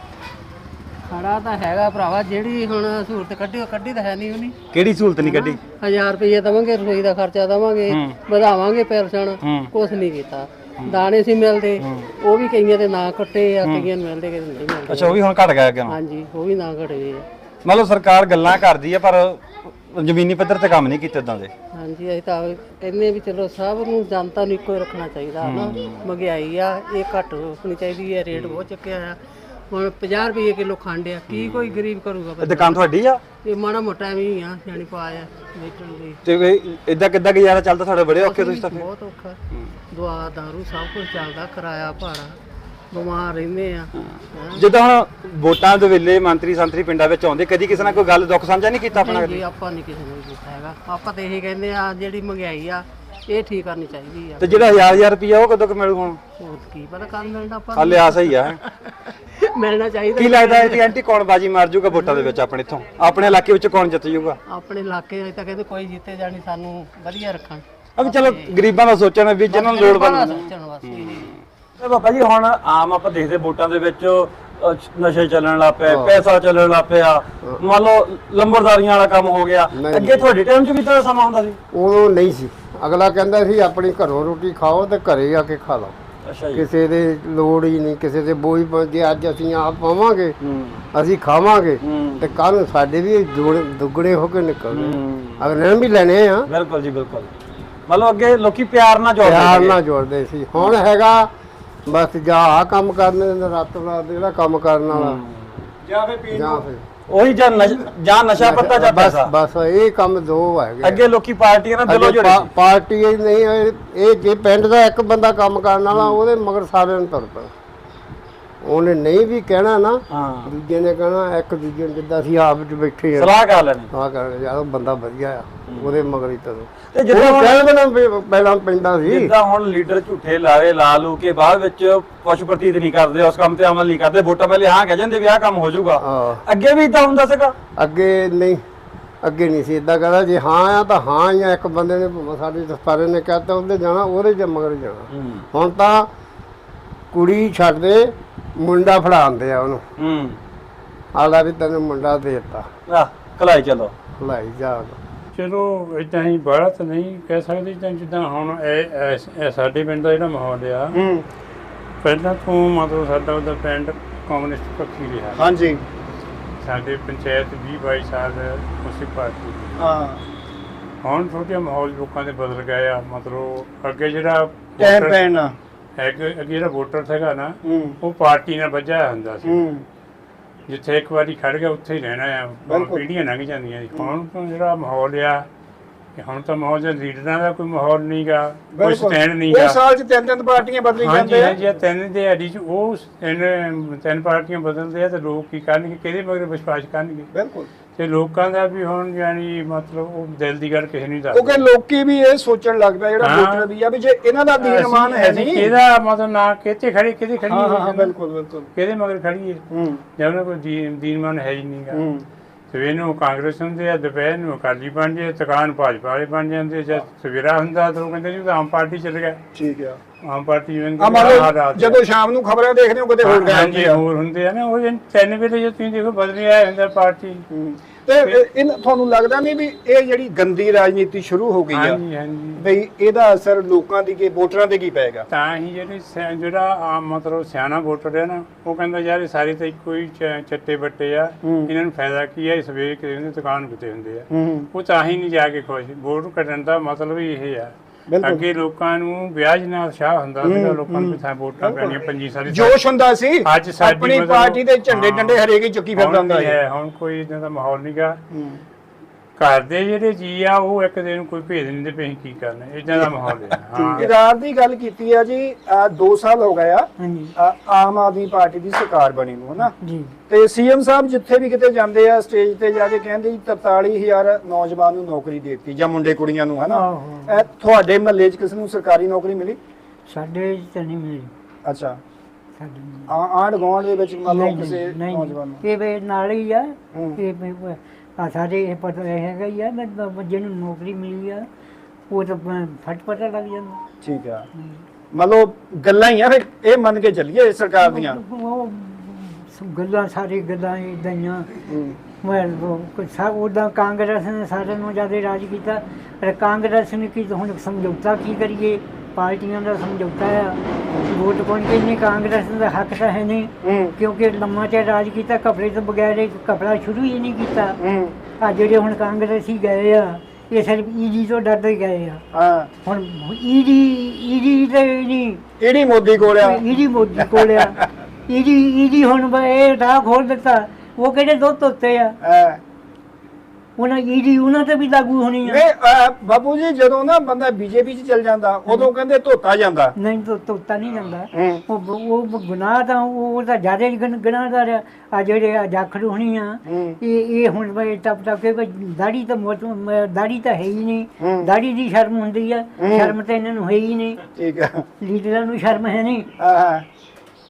S6: ਖੜਾ ਤਾਂ ਹੈਗਾ ਭਰਾਵਾ, ਜਿਹੜੀ ਹੁਣ ਸਹੂਲਤ ਕੱਢੀ ਉਹ ਕੱਢੀ ਤਾਂ ਹੈ ਨਹੀਂ ਉਹਨੀ।
S9: ਕਿਹੜੀ ਸਹੂਲਤ ਨਹੀਂ ਕੱਢੀ?
S6: ਹਜ਼ਾਰ ਰੁਪਏ ਦਵਾਂਗੇ, ਰਸੋਈ ਦਾ ਖਰਚਾ ਦਵਾਂਗੇ, ਵਧਾਵਾਂਗੇ ਪੈਨਸ਼ਨ, ਕੁਛ ਨਹੀਂ ਕੀਤਾ। ਦਾਣੇ ਸੀ ਮਿਲਦੇ, ਉਹ ਵੀ ਕਈਆਂ ਦੇ ਨਾਂ ਕੱਟੇ ਆ, ਕਈਆਂ ਨੂੰ ਮਿਲਦੇ ਕਈਆਂ ਨੂੰ ਨਹੀਂ ਮਿਲਦੇ।
S9: ਅੱਛਾ ਉਹ ਵੀ ਹੁਣ ਘਟ ਗਿਆ ਅੱਗੇ?
S6: ਹਾਂਜੀ ਉਹ ਵੀ ਨਾਂ ਘਟੇ ਆ।
S9: ਮਤਲਬ ਸਰਕਾਰ ਗੱਲਾਂ ਕਰਦੀ ਆ ਪਰ ਜ਼ਮੀਨੀ ਪੱਧਰ ਤੇ ਕੰਮ ਨਹੀਂ ਕੀਤੇ ਇਦਾਂ ਦੇ।
S6: ਹਾਂਜੀ ਅਸੀਂ ਤਾਂ ਕਹਿੰਦੇ ਵੀ ਚਲੋ ਸਭ ਨੂੰ ਜਨਤਾ ਨੂੰ ਇੱਕੋ ਹੀ ਰੱਖਣਾ ਚਾਹੀਦਾ ਹੈ ਨਾ। ਮਹਿੰਗਾਈ ਆ ਇਹ ਘੱਟ ਹੋਣੀ ਚਾਹੀਦੀ ਹੈ, ਰੇਟ ਬਹੁਤ ਚੱਕਿਆ ਆ। ਹੁਣ ਪੰਜਾਹ ਰੁਪਏ ਕਿਲੋ ਖੰਡ ਆ, ਕੀ ਕੋਈ ਗਰੀਬ ਕਰੂਗਾ?
S9: ਇਹ ਦੁਕਾਨ ਤੁਹਾਡੀ ਆ?
S6: ਇਹ ਮਾੜਾ ਮੋਟਾ ਵੀ ਆ, ਸਿਆਣੀ ਪਾਇਆ ਵੇਚਣ ਲਈ।
S9: ਤੇ ਇਦਾਂ ਕਿੱਦਾਂ ਗੁਜ਼ਾਰਾ ਚੱਲਦਾ ਤੁਹਾਡੇ? ਬੜੇ ਔਖੇ ਤੁਸੀਂ ਤਾਂ ਫਿਰ।
S6: ਬਹੁਤ ਔਖਾ, ਦਵਾ ਦਾਰੂ ਸਭ ਕੁਝ ਚੱਲਦਾ, ਕਿਰਾਇਆ ਭਾੜਾ, ਬਿਮਾਰ ਰਹਿੰਦੇ ਆ।
S9: ਜਿੱਦਾਂ ਹੁਣ ਵੋਟਾਂ ਦੇ ਵੇਲੇ ਮੰਤਰੀ ਸੰਤਰੀ ਪਿੰਡਾਂ ਵਿੱਚ ਆਉਂਦੇ, ਕਦੀ ਕਿਸੇ ਨਾਲ ਕੋਈ ਗੱਲ ਦੁੱਖ ਸਾਂਝਾ ਨਹੀਂ ਕੀਤਾ ਆਪਣਾ?
S6: ਜੀ ਆਪਾਂ ਨਹੀਂ ਕਿਸੇ ਨੂੰ ਕੀਤਾ ਹੈਗਾ, ਆਪਾਂ ਤਾਂ ਇਹੀ ਕਹਿੰਦੇ ਆ ਜਿਹੜੀ ਮਹਿੰਗਾਈ ਆ ਇਹ ਠੀਕ ਕਰਨੀ ਚਾਹੀਦੀ ਆ।
S9: ਤੇ ਜਿਹੜਾ ਹਜ਼ਾਰ ਹਜ਼ਾਰ ਰੁਪਈਆ ਉਹ ਕਦੋਂ ਕੁ ਮਿਲੂ ਹੁਣ?
S6: ਹੋਰ ਕੀ ਪਤਾ ਕਦ ਮਿਲਣਾ ਆਪਾਂ
S9: ਹਾਲੇ ਆਸ ਹੀ ਆ।
S6: ਮਿਲਣਾ ਚਾਹੀਦਾ।
S9: ਕੀ ਲੱਗਦਾ ਹੈ ਕਿ ਐਂਟੀ ਕੌਣ ਬਾਜੀ ਮਾਰ ਜੂਗਾ ਵੋਟਾਂ ਦੇ ਵਿੱਚ ਆਪਣੇ ਇੱਥੋਂ? ਆਪਣੇ ਇਲਾਕੇ ਵਿੱਚ ਕੌਣ ਜਿੱਤ ਜੂਗਾ?
S6: ਆਪਣੇ ਇਲਾਕੇ ਅਜੇ ਤਾਂ ਕਹਿੰਦੇ ਕੋਈ ਜਿੱਤੇ ਜਾਣੀ, ਸਾਨੂੰ ਵਧੀਆ ਰੱਖਣ।
S9: ਅਬ ਚਲੋ ਗਰੀਬਾਂ ਦਾ ਸੋਚਣਾ ਵੀ ਜਿਹਨਾਂ ਨੂੰ ਲੋੜ ਪੈਂਦੀ।
S6: ਸੋਚਣ ਵਾਸਤੇ
S2: ਤੇ ਬਾਬਾ ਜੀ ਹੁਣ ਆਮ ਆਪਾਂ ਦੇਖਦੇ ਵੋਟਾਂ ਦੇ ਵਿੱਚ ਅਹ, ਨਸ਼ੇ ਚੱਲਣ ਲੱਗ ਪਏ, ਪੈਸਾ ਚੱਲਣ ਲੱਗ ਪਿਆ, ਮੰਨ ਲਓ ਲੰਬਰਦਾਰੀਆਂ ਵਾਲਾ ਕੰਮ ਹੋ ਗਿਆ। ਅੱਗੇ ਤੁਹਾਡੇ ਟਾਈਮ 'ਚ ਵੀ ਤਾਂ ਸਮਾਂ ਹੁੰਦਾ ਸੀ?
S4: ਉਦੋਂ ਨਹੀਂ ਸੀ। ਅਗਲਾ ਕਹਿੰਦਾ ਸੀ ਆਪਣੀ ਘਰੋਂ ਰੋਟੀ ਖਾਓ ਤੇ ਘਰੇ ਆ ਕੇ ਖਾ ਲਓ।
S2: ਅੱਛਾ ਜੀ।
S4: ਕਿਸੇ ਦੇ ਲੋੜ ਹੀ ਨਹੀਂ, ਕਿਸੇ ਦੇ ਬੋਝ ਪ- ਜੇ ਅੱਜ ਅਸੀਂ ਆਪ ਪਾਵਾਂਗੇ ਅਸੀਂ ਖਾਵਾਂਗੇ ਤੇ ਕੱਲ ਨੂੰ ਸਾਡੇ ਵੀ ਜੋੜ- ਦੁੱਗਣੇ ਹੋ ਕੇ ਨਿਕਲਣੇ। ਅਗਲੇ ਨੇ ਵੀ ਲੈਣੇ ਆ।
S2: ਬਿਲਕੁਲ ਜੀ ਬਿਲਕੁਲ। ਮਤਲਬ ਅੱਗੇ ਲੋਕੀ ਪਿਆਰ ਨਾਲ ਜੋੜਦੇ
S4: ਪਿਆਰ
S2: ਸੀਗੇ।
S4: ਨਾਲ ਜੋੜਦੇ ਸੀ। ਹੁਣ ਹੈਗਾ ਬਸ ਜਾਂ ਆਹ ਕੰਮ ਕਰਨੇ ਨੇ ਰਾਤੋਂ ਰਾਤ ਜਿਹੜਾ ਕੰਮ ਕਰਨ ਵਾਲਾ
S1: ਜਾਂ ਫੇ ਪੀਣ
S4: ਜਾਂ ਫਿਰ
S2: ਉਹੀ ਜਾਂ ਨਸ਼- ਜਾਂ ਨਸ਼ਾ ਪੱਤਾ ਜਾਂ
S4: ਬਸ
S2: ਪੈਸਾ।
S4: ਬਸ ਇਹ ਕੰਮ ਦੋ ਹੈਗੇ।
S2: ਅੱਗੇ ਲੋਕੀ ਪਾਰਟੀਆਂ ਨਾਲ ਦਿਲੋਂ
S4: ਅੱਗੇ
S2: ਜੁੜੇ
S4: ਪਾ-
S2: ਸੀ।
S4: ਪਾਰਟੀ ਇਹ ਨਹੀਂ ਇਹ ਇਹ ਜੇ ਪਿੰਡ ਦਾ ਇੱਕ ਬੰਦਾ ਕੰਮ ਕਰਨ ਵਾਲਾ ਉਹਦੇ ਮਗਰ ਸਾਰਿਆਂ ਨੂੰ ਤੁਰ ਪਏ। ਉਹਨੇ ਨਹੀਂ ਵੀ ਕਹਿਣਾ ਨਾ,
S2: ਹਾਂ
S4: ਦੂਜੇ ਨੇ ਕਹਿਣਾ, ਇੱਕ ਦੂਜੇ ਨੂੰ ਜਿੱਦਾਂ ਅਸੀਂ ਆਪ ਵਿੱਚ ਬੈਠੇ ਆ
S2: ਸਲਾਹ ਕਰ ਲੈਣੀ।
S4: ਆ ਕਰ ਯਾਰ ਉਹ ਬੰਦਾ ਵਧੀਆ ਆ, ਉਹਦੇ ਮਗਰ ਹੀ ਤੁਰੋ।
S2: ਤੇ
S4: ਉਹ
S2: ਜਿੱਦਾਂ ਹੁਣ-
S4: ਕਹਿੰਦੇ ਨਾ ਵੀ ਪਹਿਲਾਂ ਪਿੰਡਾਂ ਸੀ
S2: ਜਿੱਦਾਂ ਹੁਣ ਲੀਡਰ ਝੂਠੇ ਲਾਰੇ ਲਾ ਲੂ ਕੇ ਬਾਅਦ ਵਿੱਚ ਪਸ਼ੂ ਪ੍ਰਤੀਤ ਨਹੀਂ ਕਰਦੇ, ਉਸ ਕੰਮ ਤੇ ਅਮਲ ਨਹੀਂ ਕਰਦੇ, ਵੋਟਾਂ ਪਹਿਲੇ ਹਾਂ ਕਹਿ ਜਾਂਦੇ ਵੀ ਆਹ ਕੰਮ ਹੋ ਜਾਊਗਾ।
S4: ਹਾਂ।
S2: ਅੱਗੇ ਵੀ ਤਾਂ ਹੁੰਦਾ ਸੀਗਾ।
S4: ਅੱਗੇ ਨਹੀਂ, ਅੱਗੇ ਨਹੀਂ ਸੀ ਇਦਾਂ ਕਹਦਾ ਜੇ ਹਾਂ ਆ ਤਾਂ ਹਾਂ ਜਾਂ ਇੱਕ ਬੰਦੇ ਨੇ ਭਾਵੇਂ ਸਾਡੇ ਦਸਤਾਰੇ ਨੇ ਕਹਤਾ ਉਹਦੇ ਜਾਣਾ, ਉਹਦੇ ਚ ਮਗਰ ਜਾਣਾ। ਹੁਣ ਤਾਂ ਕੁੜੀ ਛੱਡਦੇ ਮੁੰਡਾ ਫੜਾਉਂਦੇ ਆ ਉਹਨੂੰ।
S2: ਹੂੰ
S4: ਆਲਾ ਵੀ ਤੈਨੂੰ ਮੁੰਡਾ ਦੇ ਦਿੱਤਾ,
S2: ਆ ਕਲਾਈ ਚਲੋ।
S4: ਲਾਈ ਜਾ।
S7: ਚਲੋ ਇਦਾਂ ਹੀ ਬਾਹਲਾ ਤਾਂ ਨਹੀਂ ਕਹਿ ਸਕਦੇ ਤਾਂ ਜਿੱਦਾਂ ਹੁਣ ਇਹ ਇਹ- ਇਹ ਸਾਡੇ ਪਿੰਡ ਦਾ ਜਿਹੜਾ ਮਾਹੌਲ ਆ
S1: ਹੂੰ
S7: ਪਹਿਲਾਂ ਤੋਂ ਮਤਲਬ ਸਾਡਾ ਉਹਦਾ ਪਿੰਡ ਕਮਿਊਨਿਸਟ ਪੱਖੀ ਰਿਹਾ।
S1: ਹਾਂਜੀ
S7: ਸਾਡੇ ਪੰਚਾਇਤ ਵੀਹ ਬਾਈ ਸਾਲ ਉਸੇ ਪਾਰਟੀ ਦੀ।
S1: ਹਾਂ
S7: ਹੁਣ ਥੋੜ੍ਹਾ ਜਿਹਾ ਮਾਹੌਲ ਲੋਕਾਂ ਦੇ ਬਦਲ ਗਿਆ ਆ। ਮਤਲਬ ਅੱਗੇ ਜਿਹੜਾ
S1: ਟਾਈਮ
S7: voter-
S1: ਪੈਣ
S7: ਅੱਗੇ ਅੱਗੇ ਜਿਹੜਾ ਵੋਟਰ ਸੀਗਾ ਨਾ
S1: ਹੂੰ
S7: ਉਹ ਪਾਰਟੀ ਨਾਲ ਵੱਜਿਆ ਹੁੰਦਾ ਸੀ।
S1: ਹੂੰ
S7: ਜਿੱਥੇ ਇੱਕ ਵਾਰੀ ਖੜ ਗਿਆ ਉੱਥੇ ਹੀ ਰਹਿਣਾ ਆ। ਹੁਣ
S1: ਬਿਲਕੁਲ।
S7: ਪੀੜ੍ਹੀਆਂ ਲੰਘ ਜਾਂਦੀਆਂ ਜੀ। ਹੁਣ ਤਾਂ ਜਿਹੜਾ ਮਾਹੌਲ ਆ ਕਿ ਹੁਣ ਤਾਂ ਮਾਹੌਲ ਦੇ ਲੀਡਰਾਂ ਦਾ ਕੋਈ ਮਾਹੌਲ ਨਹੀਂਗਾ, ਕੋਈ ਸਟੈਂਡ
S1: ਉਹ
S7: ਨਹੀਂਗਾ।
S1: ਸਾਲ ਚ ਤਿੰਨ ਤਿੰਨ ਪਾਰਟੀਆਂ ਬਦਲੀ
S7: ਹਾਂਜੀ
S1: ਜਾਂਦੇ ਆ
S7: ਹਾਂਜੀ ਤਿੰਨ ਦੇ ਅੜੀ ਚ ਉਹ ਤਿੰਨ ਤਿੰਨ ਪਾਰਟੀਆਂ ਬਦਲਦੇ ਆ ਤੇ ਲੋਕ ਕੀ ਕਰਨਗੇ, ਕਿਹਦੇ ਮਗਰ ਵਿਸ਼ਵਾਸ ਕਰਨਗੇ।
S1: ਬਿਲਕੁਲ।
S7: ਤੇ ਲੋਕਾਂ ਦਾ ਵੀ ਹੁਣ ਯਾਨੀ ਮਤਲਬ ਉਹ ਦਿਲ ਦੀ ਗੱਲ ਕਿਸੇ ਨਹੀਂ ਦੱਸਦੇ।
S1: ਕਿਉਂਕਿ ਲੋਕੀ ਵੀ ਇਹ ਸੋਚਣ ਲੱਗ ਪਿਆ ਜਿਹੜਾ
S7: ਹਾਂ।
S1: ਵੋਟਰ ਵੀ ਆ ਵੀ ਜੇ ਇਹਨਾਂ ਦਾ ਦੀਨਮਾਨ ਹੈ
S7: ਅਸੀਂ
S1: ਨਹੀਂ
S7: ਕਿਹਦਾ ਮਤਲਬ ਨਾ ਕਿੱਥੇ ਖੜੀ ਕਿਹਦੇ ਖੜੀ
S1: ਹਾਂ ਹਾਂ ਬਿਲਕੁਲ ਬਿਲਕੁਲ
S7: ਕਿਹਦੇ ਮਗਰ ਖੜੀ ਹੈ
S1: ਹੂੰ
S7: ਜੇ ਉਹਨਾਂ ਕੋਈ ਦੀਨ ਦੀਨਮਾਨ ਹੈ ਹੀ ਨਹੀਂਗਾ।
S1: ਹੂੰ
S7: ਸਵੇਰ ਨੂੰ ਕਾਂਗਰਸ ਹੁੰਦੇ ਆ, ਦੁਪਹਿਰ ਨੂੰ ਅਕਾਲੀ ਬਣ ਜਾਂਦੇ, ਦੁਕਾਨ ਭਾਜਪਾ ਵਾਲੇ ਬਣ ਜਾਂਦੇ। ਜਦ ਸਵੇਰਾ ਹੁੰਦਾ ਤਾਂ ਉਹ ਕਹਿੰਦੇ ਜੀ ਉਹ ਤਾਂ ਆਮ ਪਾਰਟੀ ਚੱਲ ਗਿਆ।
S1: ਠੀਕ ਆ
S7: ਆਮ ਪਾਰਟੀ ਜਿਵੇਂ
S1: ਆ ਮੰਨ ਲਓ ਜਦੋਂ ਸ਼ਾਮ ਨੂੰ ਖਬਰਾਂ ਦੇਖਦੇ ਹੋ ਕਿਤੇ ਹੋਰ ਗਏ
S7: ਹਾਂਜੀ
S1: ਹੁੰਦੇ ਆ
S7: ਹੋਰ ਹੁੰਦੇ ਆ ਨਾ ਉਹ ਜਿਹਨ ਤਿੰਨ ਵੇਲੇ ਜੇ ਤੁਸੀਂ ਦੇਖੋ ਬਦਲੀ ਆਇਆ ਹੁੰਦਾ ਪਾਰਟੀ।
S1: ਹੂੰ। ਤੇ ਇਹ ਤੁਹਾਨੂੰ ਲੱਗਦਾ ਨਹੀਂ ਵੀ ਇਹ ਜਿਹੜੀ ਗੰਦੀ ਰਾਜਨੀਤੀ ਸ਼ੁਰੂ ਹੋ ਗਈ ਆ
S7: ਹਾਂਜੀ ਹਾਂਜੀ
S1: ਬਈ ਇਹਦਾ ਅਸਰ ਲੋਕਾਂ ਦੀ ਕੀ ਵੋਟਰਾਂ ਤੇ ਕੀ ਪਏਗਾ?
S7: ਤਾਂ ਹੀ ਜਿਹੜੀ ਸਿਆ- ਜਿਹੜਾ ਆਮ ਮਤਲਬ ਸਿਆਣਾ ਵੋਟਰ ਹੈ ਨਾ ਉਹ ਕਹਿੰਦਾ ਯਾਰ ਇਹ ਸਾਰੇ ਤਾਂ ਇੱਕੋ ਹੀ ਚ- ਚੱਟੇ ਬੱਟੇ ਆ,
S1: ਹੂੰ।
S7: ਇਹਨਾਂ ਨੂੰ ਫਾਇਦਾ ਕੀ ਹੈ, ਇਹ ਸਵੇਰ ਕਿਤੇ ਹੁੰਦੇ ਦੁਕਾਨ ਕਿਤੇ ਹੁੰਦੇ ਆ।
S1: ਹੂੰ
S7: ਉਹ ਤਾਂ ਹੀ ਨਹੀਂ ਜਾ ਕੇ ਖੁਸ਼। ਵੋਟ ਕੱਢਣ ਦਾ ਮਤਲਬ ਹੀ ਇਹ ਆ।
S1: ਬਿਲਕੁਲ।
S7: ਅੱਗੇ ਲੋਕਾਂ ਨੂੰ ਵਿਆਜ ਨਾਲ ਉਤਸ਼ਾਹ ਹੁੰਦਾ ਸੀਗਾ, ਲੋਕਾਂ ਨੂੰ ਕਿਥਾਂ ਵੋਟਾਂ ਪੈਣੀਆਂ ਪੰਜੀ ਸਾਰੀ
S1: ਜੋਸ਼ ਹੁੰਦਾ ਸੀ
S7: ਅੱਜ ਸਾਡੀ
S1: ਆਪਣੀ
S7: ਮਤਲਬ-
S1: ਪਾਰਟੀ ਦੇ ਝੰਡੇ
S7: ਹਾਂ।
S1: ਡੰਡੇ ਹਰੇਕ ਹੀ ਚੁੱਕੀ ਫਿਰਦਾ ਹੁੰਦਾ
S7: ਹੁਣ
S1: ਸੀ।
S7: ਨਹੀਂ ਹੈ, ਹੁਣ ਕੋਈ ਇਦਾਂ ਦਾ ਮਾਹੌਲ ਨਹੀਂਗਾ।
S1: ਹੂੰ।
S7: ਘਰ ਦੇ ਜਿਹੜੇ ਜੀ ਆ ਉਹ ਇੱਕ ਦਿਨ ਨੂੰ ਕੋਈ ਭੇਜ ਨਹੀਂ ਦਿੰਦੇ ਪਏ ਅਸੀਂ ਕੀ ਕਰਨਾ, ਇਦਾਂ ਦਾ ਮਾਹੌਲ ਹੈ। ਹਾਂ
S1: ਇਰਾਰ ਦੀ ਗੱਲ ਕੀਤੀ ਆ ਜੀ ਆਹ ਦੋ ਸਾਲ ਹੋ ਗਏ ਆ
S3: ਹਾਂਜੀ
S1: ਆਹ ਆਮ ਆਦਮੀ ਪਾਰਟੀ ਦੀ ਸਰਕਾਰ ਬਣੀ ਨੂੰ ਹਨਾ
S3: ਜੀ
S1: ਤੇ ਸੀਐਮ ਸਾਹਿਬ ਜਿੱਥੇ ਵੀ ਕਿਤੇ ਜਾਂਦੇ ਆ ਸਟੇਜ ਤੇ ਜਾ ਕੇ ਕਹਿੰਦੇ ਜੀ ਤਰਤਾਲੀ ਹਜ਼ਾਰ ਨੌਜਵਾਨ ਨੂੰ ਨੌਕਰੀ ਦੇ ਦਿੱਤੀ ਜਾਂ ਮੁੰਡੇ ਕੁੜੀਆਂ ਨੂੰ ਹਨਾ
S3: ਆਹੋ।
S1: ਇਹ ਤੁਹਾਡੇ ਮਹੱਲੇ 'ਚ ਕਿਸੇ ਨੂੰ ਸਰਕਾਰੀ ਨੌਕਰੀ ਮਿਲੀ?
S3: ਸਾਡੇ ਤਾਂ ਨਹੀਂ ਮਿਲੀ
S1: ਅੱਛਾ
S3: ਸਾਡੇ ਨਹੀਂ।
S1: ਆ- ਆਂਢ ਗੁਆਂਢ ਦੇ ਵਿੱਚ ਮੰਨ ਲਓ
S3: ਨਹੀਂ,
S1: ਕਿਸੇ
S3: ਨਹੀਂ,
S1: ਨੌਜਵਾਨ ਨੂੰ?
S3: ਇਹ ਵੇ ਨਾਲ ਹੀ ਆ
S1: ਹੂੰ।
S3: ਇਹ ਵੀ ਆ ਸਾਡੇ ਇਹ ਪਤਾ ਹੈਗਾ ਹੀ ਆ ਮੈਂ ਤਾਂ ਜਿਹਨੂੰ ਨੌਕਰੀ ਮਿਲੀ ਆ ਉਹ ਤਾਂ ਪ- ਫਟ ਪਤਾ ਲੱਗ ਜਾਂਦਾ।
S1: ਠੀਕ ਆ ਮਤਲਬ ਗੱਲਾਂ ਹੀ ਆ ਫਿਰ ਇਹ ਮੰਨ ਕੇ ਚੱਲੀਏ ਸਰਕਾਰ ਦੀਆਂ।
S3: ਉਹ ਸ- ਗੱਲਾਂ ਸਾਰੀ ਗੱਲਾਂ ਇਦਾਂ ਹੀ ਆ।
S1: ਹੂੰ।
S3: ਮੈਂ ਉਹ ਸਭ ਉਦਾਂ ਕਾਂਗਰਸ ਨੇ ਸਾਰਿਆਂ ਨੂੰ ਜ਼ਿਆਦਾ ਰਾਜ ਕੀਤਾ ਪਰ ਕਾਂਗਰਸ ਨੇ ਕੀ ਹੁਣ ਸਮਝੌਤਾ ਕੀ ਕਰੀਏ, ਪਾਰਟੀਆਂ ਦਾ ਸਮਝੌਤਾ ਆ। ਵੋਟ ਪਾਉਣ ਕੇ ਨਹੀਂ ਕਾਂਗਰਸ ਦਾ ਹੱਕ ਤਾਂ ਹੈ ਨਹੀਂ
S1: ਹੂੰ।
S3: ਕਿਉਂਕਿ ਲੰਮਾ ਚਿਰ ਰਾਜ ਕੀਤਾ ਕਪੜੇ ਤੋਂ ਬਗੈਰ ਇਹ ਕਪੜਾ ਸ਼ੁਰੂ ਹੀ ਨਹੀਂ ਕੀਤਾ।
S1: ਹੂੰ।
S3: ਆ ਜਿਹੜੇ ਹੁਣ ਕਾਂਗਰਸੀ ਗਏ ਆ ਇਹ ਸਿਰਫ ਈਡੀ ਤੋਂ ਡਰਦੇ ਗਏ ਆ।
S1: ਹਾਂ
S3: ਹੁਣ ਈਡੀ ਈਡੀ ਤੇ ਨਹੀਂ
S1: ਇਹੜੀ ਮੋਦੀ ਕੋਲ ਆ।
S3: ਈਡੀ ਮੋਦੀ ਕੋਲ ਆ। ਈਡੀ ਈਡੀ ਹੁਣ ਬ- ਇਹ ਰਾਹ ਖੋਲ ਦਿੱਤਾ। ਉਹ ਕਿਹੜੇ ਦੁੱਧ ਉੱਤੇ ਆ
S1: ਹਾਂ।
S3: ਉਹਨਾਂ ਈਡੀ ਉਹਨਾਂ ਤੇ ਵੀ ਲਾਗੂ ਹੋਣੀ ਆ।
S1: ਨਹੀਂ ਅਹ ਬਾਬੂ ਜੀ ਜਦੋਂ ਨਾ ਬੰਦਾ ਬੀਜੇਪੀ 'ਚ ਚਲ ਜਾਂਦਾ ਉਦੋਂ ਕਹਿੰਦੇ ਧੋਤਾ ਜਾਂਦਾ।
S3: ਨਹੀਂ ਤਾਂ ਤੋਤਾ ਨਹੀਂ ਜਾਂਦਾ।
S1: ਹੂੰ।
S3: ਉਹ ਉਹ ਗੁਨਾਹ ਤਾਂ ਉਹ ਤਾਂ ਜ਼ਿਆਦਾ ਹੀ ਗੁਨਾਹਦਾਰ ਆ। ਆ ਜਿਹੜੇ ਆ ਜਾਖੜ ਹੋਣੀ ਆ
S1: ਹੂੰ।
S3: ਇਹ ਇਹ ਹੁਣ ਬਈ ਟੱਪ ਟੱਪ ਕੇ ਦਾੜੀ ਤਾਂ ਮੋਟ ਦਾੜੀ ਤਾਂ ਹੈ ਹੀ ਨਹੀਂ।
S1: ਹੂੰ।
S3: ਦਾੜੀ ਦੀ ਸ਼ਰਮ ਹੁੰਦੀ ਆ,
S1: ਹੂੰ।
S3: ਸ਼ਰਮ ਤਾਂ ਇਹਨਾਂ ਨੂੰ ਹੈ ਹੀ ਨਹੀਂ।
S1: ਠੀਕ ਆ।
S3: ਲੀਡਰਾਂ ਨੂੰ ਸ਼ਰਮ ਹੈ ਨਹੀਂ।
S1: ਹਾਂ।